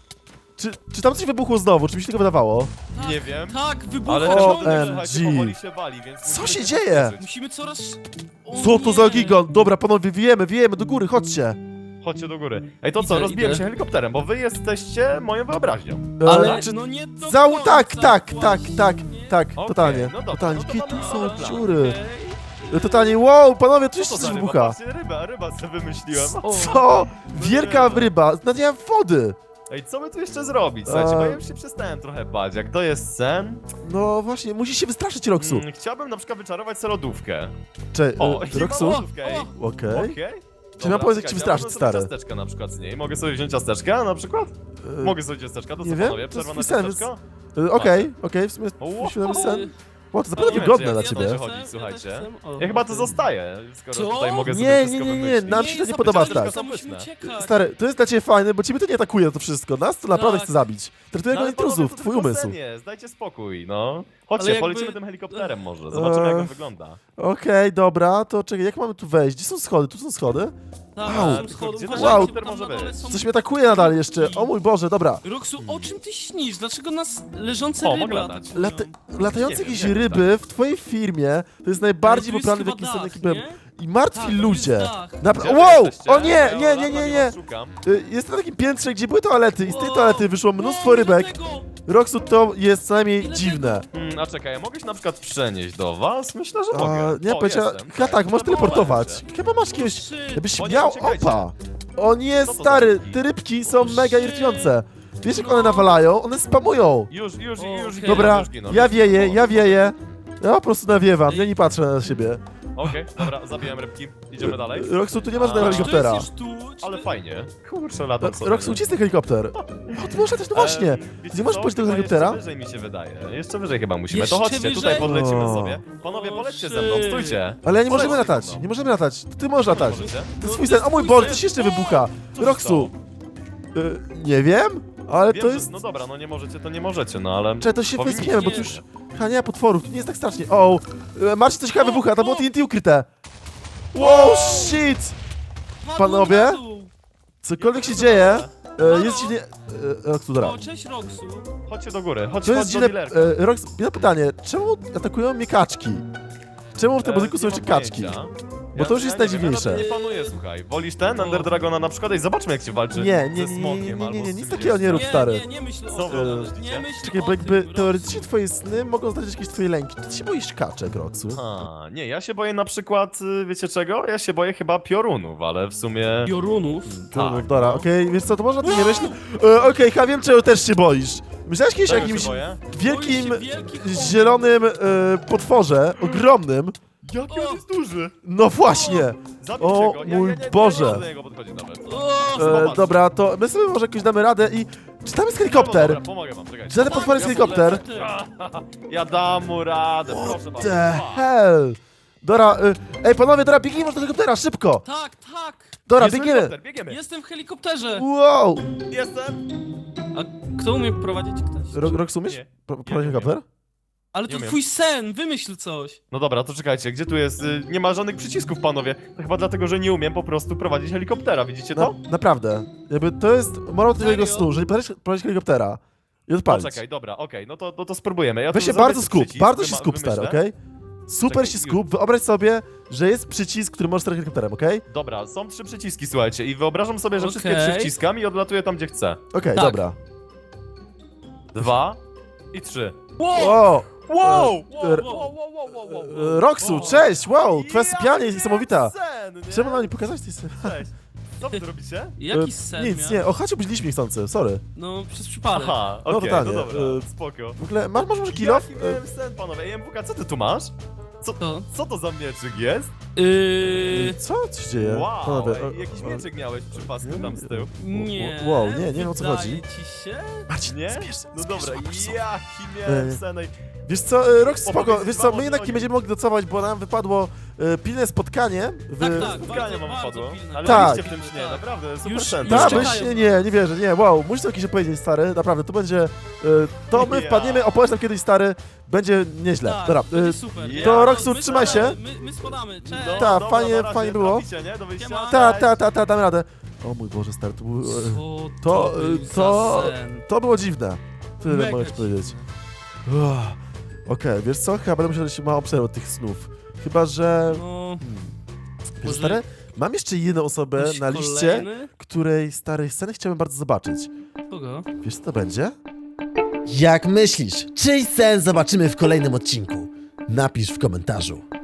[SPEAKER 1] Czy, czy tam coś wybuchło znowu? Czy mi się tego wydawało?
[SPEAKER 2] Tak,
[SPEAKER 3] Nie wiem.
[SPEAKER 2] Tak, wybucha
[SPEAKER 3] Ale
[SPEAKER 1] O,
[SPEAKER 3] ten
[SPEAKER 2] ciągle.
[SPEAKER 3] budynek,
[SPEAKER 1] em,
[SPEAKER 3] słuchajcie,
[SPEAKER 1] G.
[SPEAKER 3] powoli się wali, więc
[SPEAKER 1] Co
[SPEAKER 3] musimy
[SPEAKER 1] się
[SPEAKER 3] się
[SPEAKER 1] dzieje?
[SPEAKER 3] zabezpieczyć.
[SPEAKER 2] Musimy coraz... O
[SPEAKER 1] Co to za
[SPEAKER 2] nie.
[SPEAKER 1] gigant? Dobra, panowie, wiejemy, wiejemy do góry, chodźcie.
[SPEAKER 3] Chodźcie do góry. Ej, to co,
[SPEAKER 2] Idę,
[SPEAKER 3] rozbijemy
[SPEAKER 2] idę.
[SPEAKER 3] się helikopterem, bo wy jesteście moją wyobraźnią.
[SPEAKER 1] E,
[SPEAKER 2] Ale
[SPEAKER 1] czy-
[SPEAKER 2] no nie do
[SPEAKER 1] Zał...
[SPEAKER 2] końca
[SPEAKER 1] Tak, tak, tak,
[SPEAKER 2] właśnie.
[SPEAKER 1] tak, tak,
[SPEAKER 3] Okej,
[SPEAKER 1] totalnie,
[SPEAKER 3] no dobra,
[SPEAKER 1] totalnie.
[SPEAKER 3] no to
[SPEAKER 1] Jakie tu
[SPEAKER 3] mamy
[SPEAKER 1] są
[SPEAKER 3] plan.
[SPEAKER 1] dziury?
[SPEAKER 2] Okej.
[SPEAKER 1] E, Totalnie, wow, panowie, tu
[SPEAKER 3] Co
[SPEAKER 1] jeszcze
[SPEAKER 3] to
[SPEAKER 1] coś
[SPEAKER 3] za ryba?
[SPEAKER 1] wybucha.
[SPEAKER 3] Patrzcie, ryba, ryba sobie wymyśliłem.
[SPEAKER 2] O,
[SPEAKER 1] Co? Wielka
[SPEAKER 3] nie.
[SPEAKER 1] ryba, nadziałem wody.
[SPEAKER 3] Ej, co my tu jeszcze zrobić? Słuchajcie,
[SPEAKER 1] A-
[SPEAKER 3] bo ja już się przestałem trochę bać. Jak to jest sen,
[SPEAKER 1] No właśnie, musisz się wystraszyć, Roxu.
[SPEAKER 3] mm, chciałbym na przykład wyczarować sobie lodówkę.
[SPEAKER 1] Cze,
[SPEAKER 3] O,
[SPEAKER 1] e,
[SPEAKER 3] i mam
[SPEAKER 1] Roxu?
[SPEAKER 3] lodówkę, ej.
[SPEAKER 2] O,
[SPEAKER 1] Okej.
[SPEAKER 3] Okej.
[SPEAKER 1] Czy mam
[SPEAKER 3] Dobra,
[SPEAKER 1] powiedzieć, jak ci
[SPEAKER 3] czekajcie,
[SPEAKER 1] wystraszyć,
[SPEAKER 3] a mogę sobie
[SPEAKER 1] stary?
[SPEAKER 3] ciasteczka na przykład z niej. Mogę sobie wziąć ciasteczka na przykład?
[SPEAKER 1] E,
[SPEAKER 3] Mogę sobie ciasteczka, to
[SPEAKER 1] nie
[SPEAKER 3] co
[SPEAKER 1] wiem,
[SPEAKER 3] panowie?
[SPEAKER 1] to jest
[SPEAKER 3] Przerwa na
[SPEAKER 1] twój sen,
[SPEAKER 3] ciasteczko?
[SPEAKER 1] e, Okej, okej, w sumie
[SPEAKER 3] O,
[SPEAKER 1] świadomy
[SPEAKER 3] o,
[SPEAKER 1] sen. Wow, to
[SPEAKER 3] No,
[SPEAKER 1] naprawdę
[SPEAKER 3] nie wiem,
[SPEAKER 1] wygodne
[SPEAKER 3] czy
[SPEAKER 1] dla
[SPEAKER 3] ja-
[SPEAKER 1] ciebie.
[SPEAKER 3] ja
[SPEAKER 2] też
[SPEAKER 3] chodzi,
[SPEAKER 2] chcę,
[SPEAKER 3] słuchajcie.
[SPEAKER 2] też chcę. O,
[SPEAKER 3] Ja chyba to
[SPEAKER 2] okej.
[SPEAKER 3] zostaję, skoro
[SPEAKER 2] Co?
[SPEAKER 3] tutaj mogę sobie
[SPEAKER 1] Nie, nie,
[SPEAKER 3] wszystko
[SPEAKER 1] nie, nie,
[SPEAKER 3] wymyślić.
[SPEAKER 1] nam się to nie
[SPEAKER 2] zapytałem,
[SPEAKER 1] podoba
[SPEAKER 2] tylko
[SPEAKER 1] tak.
[SPEAKER 2] sam musimy uciekać.
[SPEAKER 1] Stary, to jest dla ciebie fajne, bo ciebie to nie atakuje to wszystko. Nas to naprawdę
[SPEAKER 2] Tak.
[SPEAKER 1] chce zabić. Traktuję
[SPEAKER 3] No,
[SPEAKER 1] go
[SPEAKER 3] ale panowie,
[SPEAKER 1] intruzów,
[SPEAKER 3] to
[SPEAKER 1] twój
[SPEAKER 3] tylko
[SPEAKER 1] umysł.
[SPEAKER 3] sen jest, dajcie spokój, no. Chodźcie,
[SPEAKER 2] Ale jakby-
[SPEAKER 3] polecimy tym helikopterem może, zobaczymy jak
[SPEAKER 1] Eee.
[SPEAKER 3] on wygląda.
[SPEAKER 1] Okej, dobra, to czekaj, jak mamy tu wejść? Gdzie są schody? Tu są schody?
[SPEAKER 2] Tak,
[SPEAKER 1] Wow.
[SPEAKER 2] są schody.
[SPEAKER 3] Gdzie
[SPEAKER 1] ten
[SPEAKER 2] Uważajcie,
[SPEAKER 1] helikopter
[SPEAKER 2] tam
[SPEAKER 3] może
[SPEAKER 2] na dole
[SPEAKER 3] być?
[SPEAKER 2] są
[SPEAKER 1] Coś mnie atakuje nadal jeszcze. O mój Boże, dobra.
[SPEAKER 2] Roxu, o czym ty śnisz? Dlaczego nas leżące
[SPEAKER 3] O,
[SPEAKER 2] ryby
[SPEAKER 3] mogę latać.
[SPEAKER 2] atakują?
[SPEAKER 1] Lata latające
[SPEAKER 3] Nie wiem,
[SPEAKER 1] jakieś
[SPEAKER 3] nie wiem,
[SPEAKER 1] ryby w twojej firmie to jest najbardziej
[SPEAKER 2] Ale tu
[SPEAKER 1] poprawny w
[SPEAKER 2] jest
[SPEAKER 1] jakim
[SPEAKER 2] chyba
[SPEAKER 1] sen
[SPEAKER 2] dach,
[SPEAKER 1] jaki byłem.
[SPEAKER 2] nie?
[SPEAKER 1] I martwi
[SPEAKER 2] Tak, tu
[SPEAKER 1] ludzie.
[SPEAKER 2] jest dach.
[SPEAKER 1] Napra-
[SPEAKER 3] Gdzie wy
[SPEAKER 1] wow!
[SPEAKER 3] jesteście?
[SPEAKER 1] O nie,
[SPEAKER 3] Ja
[SPEAKER 1] nie, nie,
[SPEAKER 3] ładnie
[SPEAKER 1] nie, nie.
[SPEAKER 3] was szukam.
[SPEAKER 1] Y, Jest na takim piętrze, gdzie były toalety i z tej
[SPEAKER 2] O,
[SPEAKER 1] toalety wyszło mnóstwo
[SPEAKER 2] o,
[SPEAKER 1] rybek.
[SPEAKER 2] dlatego.
[SPEAKER 1] Roxu, to jest co najmniej
[SPEAKER 2] Ile
[SPEAKER 1] dziwne.
[SPEAKER 3] Hmm, a czekaj, ja mogę się na przykład przenieść do was? Myślę, że
[SPEAKER 1] A,
[SPEAKER 3] mogę.
[SPEAKER 1] nie,
[SPEAKER 3] O,
[SPEAKER 1] powiedziała,
[SPEAKER 3] jestem.
[SPEAKER 1] chyba tak, możesz teleportować.
[SPEAKER 3] Zawołałem
[SPEAKER 1] Chyba masz jakiegoś,
[SPEAKER 2] Trzy.
[SPEAKER 1] jakbyś
[SPEAKER 3] O nie,
[SPEAKER 1] miał
[SPEAKER 3] uciekajcie.
[SPEAKER 1] opa. O nie,
[SPEAKER 3] Co to za
[SPEAKER 1] stary,
[SPEAKER 3] rybki?
[SPEAKER 1] te rybki są
[SPEAKER 2] O,
[SPEAKER 1] mega
[SPEAKER 2] shit.
[SPEAKER 1] irytujące. Wiesz jak one
[SPEAKER 2] No.
[SPEAKER 1] nawalają? One spamują.
[SPEAKER 3] cię. Już, już,
[SPEAKER 2] O,
[SPEAKER 3] już
[SPEAKER 2] okej.
[SPEAKER 3] giną,
[SPEAKER 1] Dobra,
[SPEAKER 3] już giną,
[SPEAKER 1] ja
[SPEAKER 3] już
[SPEAKER 1] wieję,
[SPEAKER 3] giną.
[SPEAKER 1] ja wieję. Ja po prostu nawiewam,
[SPEAKER 2] Ej.
[SPEAKER 1] ja nie patrzę na siebie.
[SPEAKER 3] Okej, dobra, zabijam rybki. Idziemy dalej.
[SPEAKER 1] Roxu, tu nie ma żadnego
[SPEAKER 3] A.
[SPEAKER 2] Czy to
[SPEAKER 1] helikoptera.
[SPEAKER 2] jest już tu? Czy
[SPEAKER 3] Ale
[SPEAKER 2] to-
[SPEAKER 3] fajnie. Kurczę, latam sobie.
[SPEAKER 1] Roxu, gdzie jest ten helikopter? O, ty możesz też, no właśnie.
[SPEAKER 3] Em, wiecie
[SPEAKER 1] Nie możesz
[SPEAKER 3] co?
[SPEAKER 1] pójść do
[SPEAKER 3] Chyba
[SPEAKER 1] helikoptera?
[SPEAKER 3] Jeszcze wyżej mi się wydaje. Jeszcze wyżej chyba musimy.
[SPEAKER 2] Jeszcze
[SPEAKER 3] to chodźcie,
[SPEAKER 2] wyżej?
[SPEAKER 3] tutaj podlecimy
[SPEAKER 1] O.
[SPEAKER 3] sobie. Panowie,
[SPEAKER 2] O,
[SPEAKER 3] polećcie
[SPEAKER 2] shit.
[SPEAKER 3] ze mną, stójcie.
[SPEAKER 1] Ale ja nie możemy
[SPEAKER 3] Polećcie
[SPEAKER 1] latać,
[SPEAKER 3] ze mną.
[SPEAKER 1] nie możemy latać. Ty możesz latać.
[SPEAKER 3] Możecie?
[SPEAKER 1] To jest twój sen. O mój Boże, coś jeszcze wybucha.
[SPEAKER 3] Co się
[SPEAKER 1] Roxu,
[SPEAKER 3] stało?
[SPEAKER 1] y, nie wiem, Ale
[SPEAKER 3] Wiem,
[SPEAKER 1] to
[SPEAKER 3] że-
[SPEAKER 1] jest...
[SPEAKER 3] No dobra, no nie możecie, to nie możecie, no ale...
[SPEAKER 1] Czekaj, to się
[SPEAKER 3] powinniście.
[SPEAKER 1] westchniemy, bo tu już... Ha, nie, potworów, to nie jest tak strasznie. O, e, Marcin, coś chyba
[SPEAKER 2] O,
[SPEAKER 1] wybucha, to było
[SPEAKER 2] o.
[SPEAKER 1] T N T ukryte. Wow, shit!
[SPEAKER 2] Padłem
[SPEAKER 1] Panowie?
[SPEAKER 2] na dół.
[SPEAKER 1] Cokolwiek się dzieje, e, jest dziwnie... E, Roxu, dobra.
[SPEAKER 2] O, cześć Roxu.
[SPEAKER 3] Chodźcie do góry, chodź,
[SPEAKER 1] To
[SPEAKER 3] chodź
[SPEAKER 1] jest
[SPEAKER 3] do
[SPEAKER 1] dziwne...
[SPEAKER 3] dealerka.
[SPEAKER 1] E, Rox, jedno pytanie, czemu atakują mnie kaczki? Czemu w tym
[SPEAKER 3] E,
[SPEAKER 1] budynku są
[SPEAKER 3] nie
[SPEAKER 1] jeszcze
[SPEAKER 3] mam
[SPEAKER 1] kaczki?
[SPEAKER 3] pojęcia.
[SPEAKER 1] Bo to już
[SPEAKER 3] Ja-
[SPEAKER 1] jest
[SPEAKER 3] ja nie wiem,
[SPEAKER 1] najdziwniejsze.
[SPEAKER 3] Ja na tym nie panuję, słuchaj. Wolisz ten,
[SPEAKER 2] O.
[SPEAKER 3] Ender Dragona na przykład? Ej, zobaczmy jak się walczy
[SPEAKER 1] Nie, nie,
[SPEAKER 3] ze
[SPEAKER 1] nie, nie,
[SPEAKER 3] smokiem
[SPEAKER 1] nie, nie,
[SPEAKER 3] albo
[SPEAKER 1] nie,
[SPEAKER 3] z
[SPEAKER 1] nic
[SPEAKER 3] czymś
[SPEAKER 1] takiego nie
[SPEAKER 3] jeszcze.
[SPEAKER 1] rób, stary.
[SPEAKER 2] Nie, nie myśl
[SPEAKER 3] Co
[SPEAKER 2] o
[SPEAKER 3] wy
[SPEAKER 2] tym.
[SPEAKER 3] myślicie?
[SPEAKER 2] Nie myśl
[SPEAKER 1] Czekaj,
[SPEAKER 2] o
[SPEAKER 1] bo jakby
[SPEAKER 2] tym,
[SPEAKER 1] teoretycznie
[SPEAKER 2] Roxu.
[SPEAKER 1] twoje sny mogą zdradzić jakieś twoje lęki. Czy ty się boisz kaczek, Roxu?
[SPEAKER 3] A, nie, ja się boję na przykład, y, wiecie czego? Ja się boję chyba piorunów, ale w sumie...
[SPEAKER 2] Piorunów.
[SPEAKER 1] No,
[SPEAKER 3] tak,
[SPEAKER 1] dobra,
[SPEAKER 3] no.
[SPEAKER 1] okej, wiesz co, to można o tym nie myśleć. E, okej, ja wiem, czego też się boisz. Myślałeś kiedyś o
[SPEAKER 3] Czego się
[SPEAKER 1] jakimś
[SPEAKER 3] boję?
[SPEAKER 1] wielkim,
[SPEAKER 2] Boisz się wielkich chłopów.
[SPEAKER 1] zielonym e, potworze, ogromnym?
[SPEAKER 3] Jaki on jest duży!
[SPEAKER 1] No właśnie!
[SPEAKER 3] Zabijcie
[SPEAKER 1] O,
[SPEAKER 3] go! Ja,
[SPEAKER 1] mój
[SPEAKER 3] ja, ja, ja
[SPEAKER 1] Boże.
[SPEAKER 3] nie chcę do niego podchodzić nawet.
[SPEAKER 2] O,
[SPEAKER 1] E,
[SPEAKER 3] Zobacz.
[SPEAKER 1] dobra, to my sobie może jakoś damy radę i... Czy tam jest helikopter?
[SPEAKER 3] Dobra, pomogę wam, czekajcie.
[SPEAKER 1] Czy ten potwór jest
[SPEAKER 2] ja
[SPEAKER 1] helikopter?
[SPEAKER 2] sobie lecę.
[SPEAKER 3] Ja dam mu radę, proszę bardzo.
[SPEAKER 1] The hell? Dobra, e, ej panowie, dobra, biegnijmy do helikoptera, szybko!
[SPEAKER 2] Tak, tak.
[SPEAKER 1] Dobra,
[SPEAKER 3] Jest
[SPEAKER 1] biegniemy!
[SPEAKER 3] helikopter, biegniemy!
[SPEAKER 2] Jestem w helikopterze.
[SPEAKER 1] Wow!
[SPEAKER 3] Jestem!
[SPEAKER 2] A kto umie prowadzić ktoś?
[SPEAKER 1] Ro Rox, umiesz?
[SPEAKER 3] Nie.
[SPEAKER 1] Pro-
[SPEAKER 3] nie
[SPEAKER 1] Prowadzić
[SPEAKER 3] umiem.
[SPEAKER 1] helikopter?
[SPEAKER 2] Ale
[SPEAKER 3] Nie
[SPEAKER 2] to
[SPEAKER 3] umiem.
[SPEAKER 2] twój sen, wymyśl coś.
[SPEAKER 3] No dobra, to czekajcie, gdzie tu jest? Y, Nie ma żadnych przycisków, panowie. To chyba dlatego, że nie umiem po prostu prowadzić helikoptera, widzicie to?
[SPEAKER 1] Na, naprawdę. Jakby to jest morał twojego
[SPEAKER 2] Serio?
[SPEAKER 1] snu, że prowadzisz, prowadzisz helikoptera i odpalić.
[SPEAKER 3] Poczekaj, dobra, okej, no to, no to spróbujemy. Ja
[SPEAKER 1] Weź
[SPEAKER 3] tu
[SPEAKER 1] się
[SPEAKER 3] zrobię
[SPEAKER 1] bardzo
[SPEAKER 3] ten
[SPEAKER 1] skup,
[SPEAKER 3] przycisk,
[SPEAKER 1] bardzo się
[SPEAKER 3] wyma-
[SPEAKER 1] skup, stary,
[SPEAKER 3] wymyślę.
[SPEAKER 1] okej? Super
[SPEAKER 3] Czekaj,
[SPEAKER 1] się skup, wyobraź sobie, że jest przycisk, który możesz sterować helikopterem, okej?
[SPEAKER 3] Dobra, są trzy przyciski, słuchajcie, i wyobrażam sobie, że wszystkie
[SPEAKER 2] Okej.
[SPEAKER 3] trzy wciskam i odlatuję tam, gdzie chcę.
[SPEAKER 1] Okej,
[SPEAKER 2] Tak.
[SPEAKER 1] dobra.
[SPEAKER 3] Dwa i trzy.
[SPEAKER 2] Wow!
[SPEAKER 1] O!
[SPEAKER 3] Wow!
[SPEAKER 1] e,
[SPEAKER 3] wow, wow, wow, wow, wow.
[SPEAKER 1] e, Roxu, cześć, wow, twoja sypialnia jest niesamowita.
[SPEAKER 3] Sen, nie?
[SPEAKER 1] Czemu nam nie pokazać tej sypialni?
[SPEAKER 3] Cześć. Co wy tu robicie?
[SPEAKER 2] Jaki
[SPEAKER 1] E,
[SPEAKER 2] sen
[SPEAKER 1] Nic,
[SPEAKER 2] miał?
[SPEAKER 1] nie, o chacie budziliśmy niechcący, sorry.
[SPEAKER 2] No, przez przypadek.
[SPEAKER 3] Aha, okej,
[SPEAKER 1] No
[SPEAKER 3] no,
[SPEAKER 1] totalnie,
[SPEAKER 3] dobra,
[SPEAKER 1] e,
[SPEAKER 3] spoko.
[SPEAKER 1] W ogóle, masz, masz może kill off?
[SPEAKER 3] Jaki miałem sen, panowie? Ej, M W K, co ty tu masz? Co,
[SPEAKER 2] To?
[SPEAKER 3] co to za mieczyk jest?
[SPEAKER 2] Yy...
[SPEAKER 1] Co? Co się dzieje?
[SPEAKER 3] Wow,
[SPEAKER 1] Panowie,
[SPEAKER 3] ej,
[SPEAKER 1] e,
[SPEAKER 3] jakiś
[SPEAKER 1] e,
[SPEAKER 3] mieczyk miałeś przy pasku tam z tyłu.
[SPEAKER 2] Nie.
[SPEAKER 1] Wow, nie, nie wiem, o co
[SPEAKER 2] wydaje
[SPEAKER 1] chodzi.
[SPEAKER 2] ci się?
[SPEAKER 1] Marcin,
[SPEAKER 3] Nie?
[SPEAKER 1] Zmierz,
[SPEAKER 3] No
[SPEAKER 1] zmierz,
[SPEAKER 3] dobra,
[SPEAKER 1] łapać sobie.
[SPEAKER 3] jaki miałem
[SPEAKER 1] E,
[SPEAKER 3] sen, ej.
[SPEAKER 1] Wiesz co, e, Rox, spoko,
[SPEAKER 3] Opowiedz
[SPEAKER 1] wiesz co,
[SPEAKER 3] wam
[SPEAKER 1] my
[SPEAKER 3] o
[SPEAKER 1] jednak nie
[SPEAKER 3] tym.
[SPEAKER 1] będziemy mogli docałować, bo nam wypadło e, pilne spotkanie w...
[SPEAKER 2] Tak, tak.
[SPEAKER 3] Spotkanie
[SPEAKER 2] bardzo,
[SPEAKER 3] mam
[SPEAKER 2] bardzo
[SPEAKER 3] wypadło.
[SPEAKER 2] pilne.
[SPEAKER 3] Ale
[SPEAKER 1] Tak.
[SPEAKER 3] byliście w tym śnie,
[SPEAKER 2] Tak.
[SPEAKER 3] naprawdę, super
[SPEAKER 2] Już-
[SPEAKER 3] sen.
[SPEAKER 2] już
[SPEAKER 1] Tak,
[SPEAKER 2] czekają.
[SPEAKER 1] myślę, nie, nie wierzę, nie, wow, musisz coś opowiedzieć, stary, naprawdę, to będzie, e, to my
[SPEAKER 3] Ja.
[SPEAKER 1] wpadniemy, opowiesz nam kiedyś, stary, będzie nieźle,
[SPEAKER 2] Tak,
[SPEAKER 1] dobra,
[SPEAKER 2] będzie
[SPEAKER 1] e,
[SPEAKER 2] super.
[SPEAKER 3] Ja.
[SPEAKER 1] to
[SPEAKER 2] No,
[SPEAKER 1] Roxu,
[SPEAKER 2] my
[SPEAKER 1] trzymaj się.
[SPEAKER 2] spadamy, My, my spadamy, cześć.
[SPEAKER 3] No,
[SPEAKER 1] Ta,
[SPEAKER 3] dobra,
[SPEAKER 1] fajnie-
[SPEAKER 3] na razie,
[SPEAKER 1] fajnie było.
[SPEAKER 3] traficie, nie? Do wyjścia?
[SPEAKER 2] Siema.
[SPEAKER 1] ta,
[SPEAKER 3] Cześć.
[SPEAKER 1] ta, ta, ta, dam radę, o mój Boże, stary, to był, e,
[SPEAKER 2] Co
[SPEAKER 1] to,
[SPEAKER 2] to, był
[SPEAKER 1] e, to,
[SPEAKER 2] za sen?
[SPEAKER 1] to było dziwne, tyle
[SPEAKER 2] Mega
[SPEAKER 1] mogę ci
[SPEAKER 2] dziwne.
[SPEAKER 1] powiedzieć. Uff. Okej, wiesz co, chyba będę musiał dać małą przerwę od tych snów, chyba, że,
[SPEAKER 2] No,
[SPEAKER 1] wiesz,
[SPEAKER 2] może-
[SPEAKER 1] stary, mam jeszcze jedną osobę
[SPEAKER 2] ktoś
[SPEAKER 1] na liście,
[SPEAKER 2] kolejny?
[SPEAKER 1] której starej sceny chciałbym bardzo zobaczyć.
[SPEAKER 2] Kogo?
[SPEAKER 1] Wiesz co to będzie?
[SPEAKER 4] Jak myślisz, czyj sen zobaczymy w kolejnym odcinku? Napisz w komentarzu.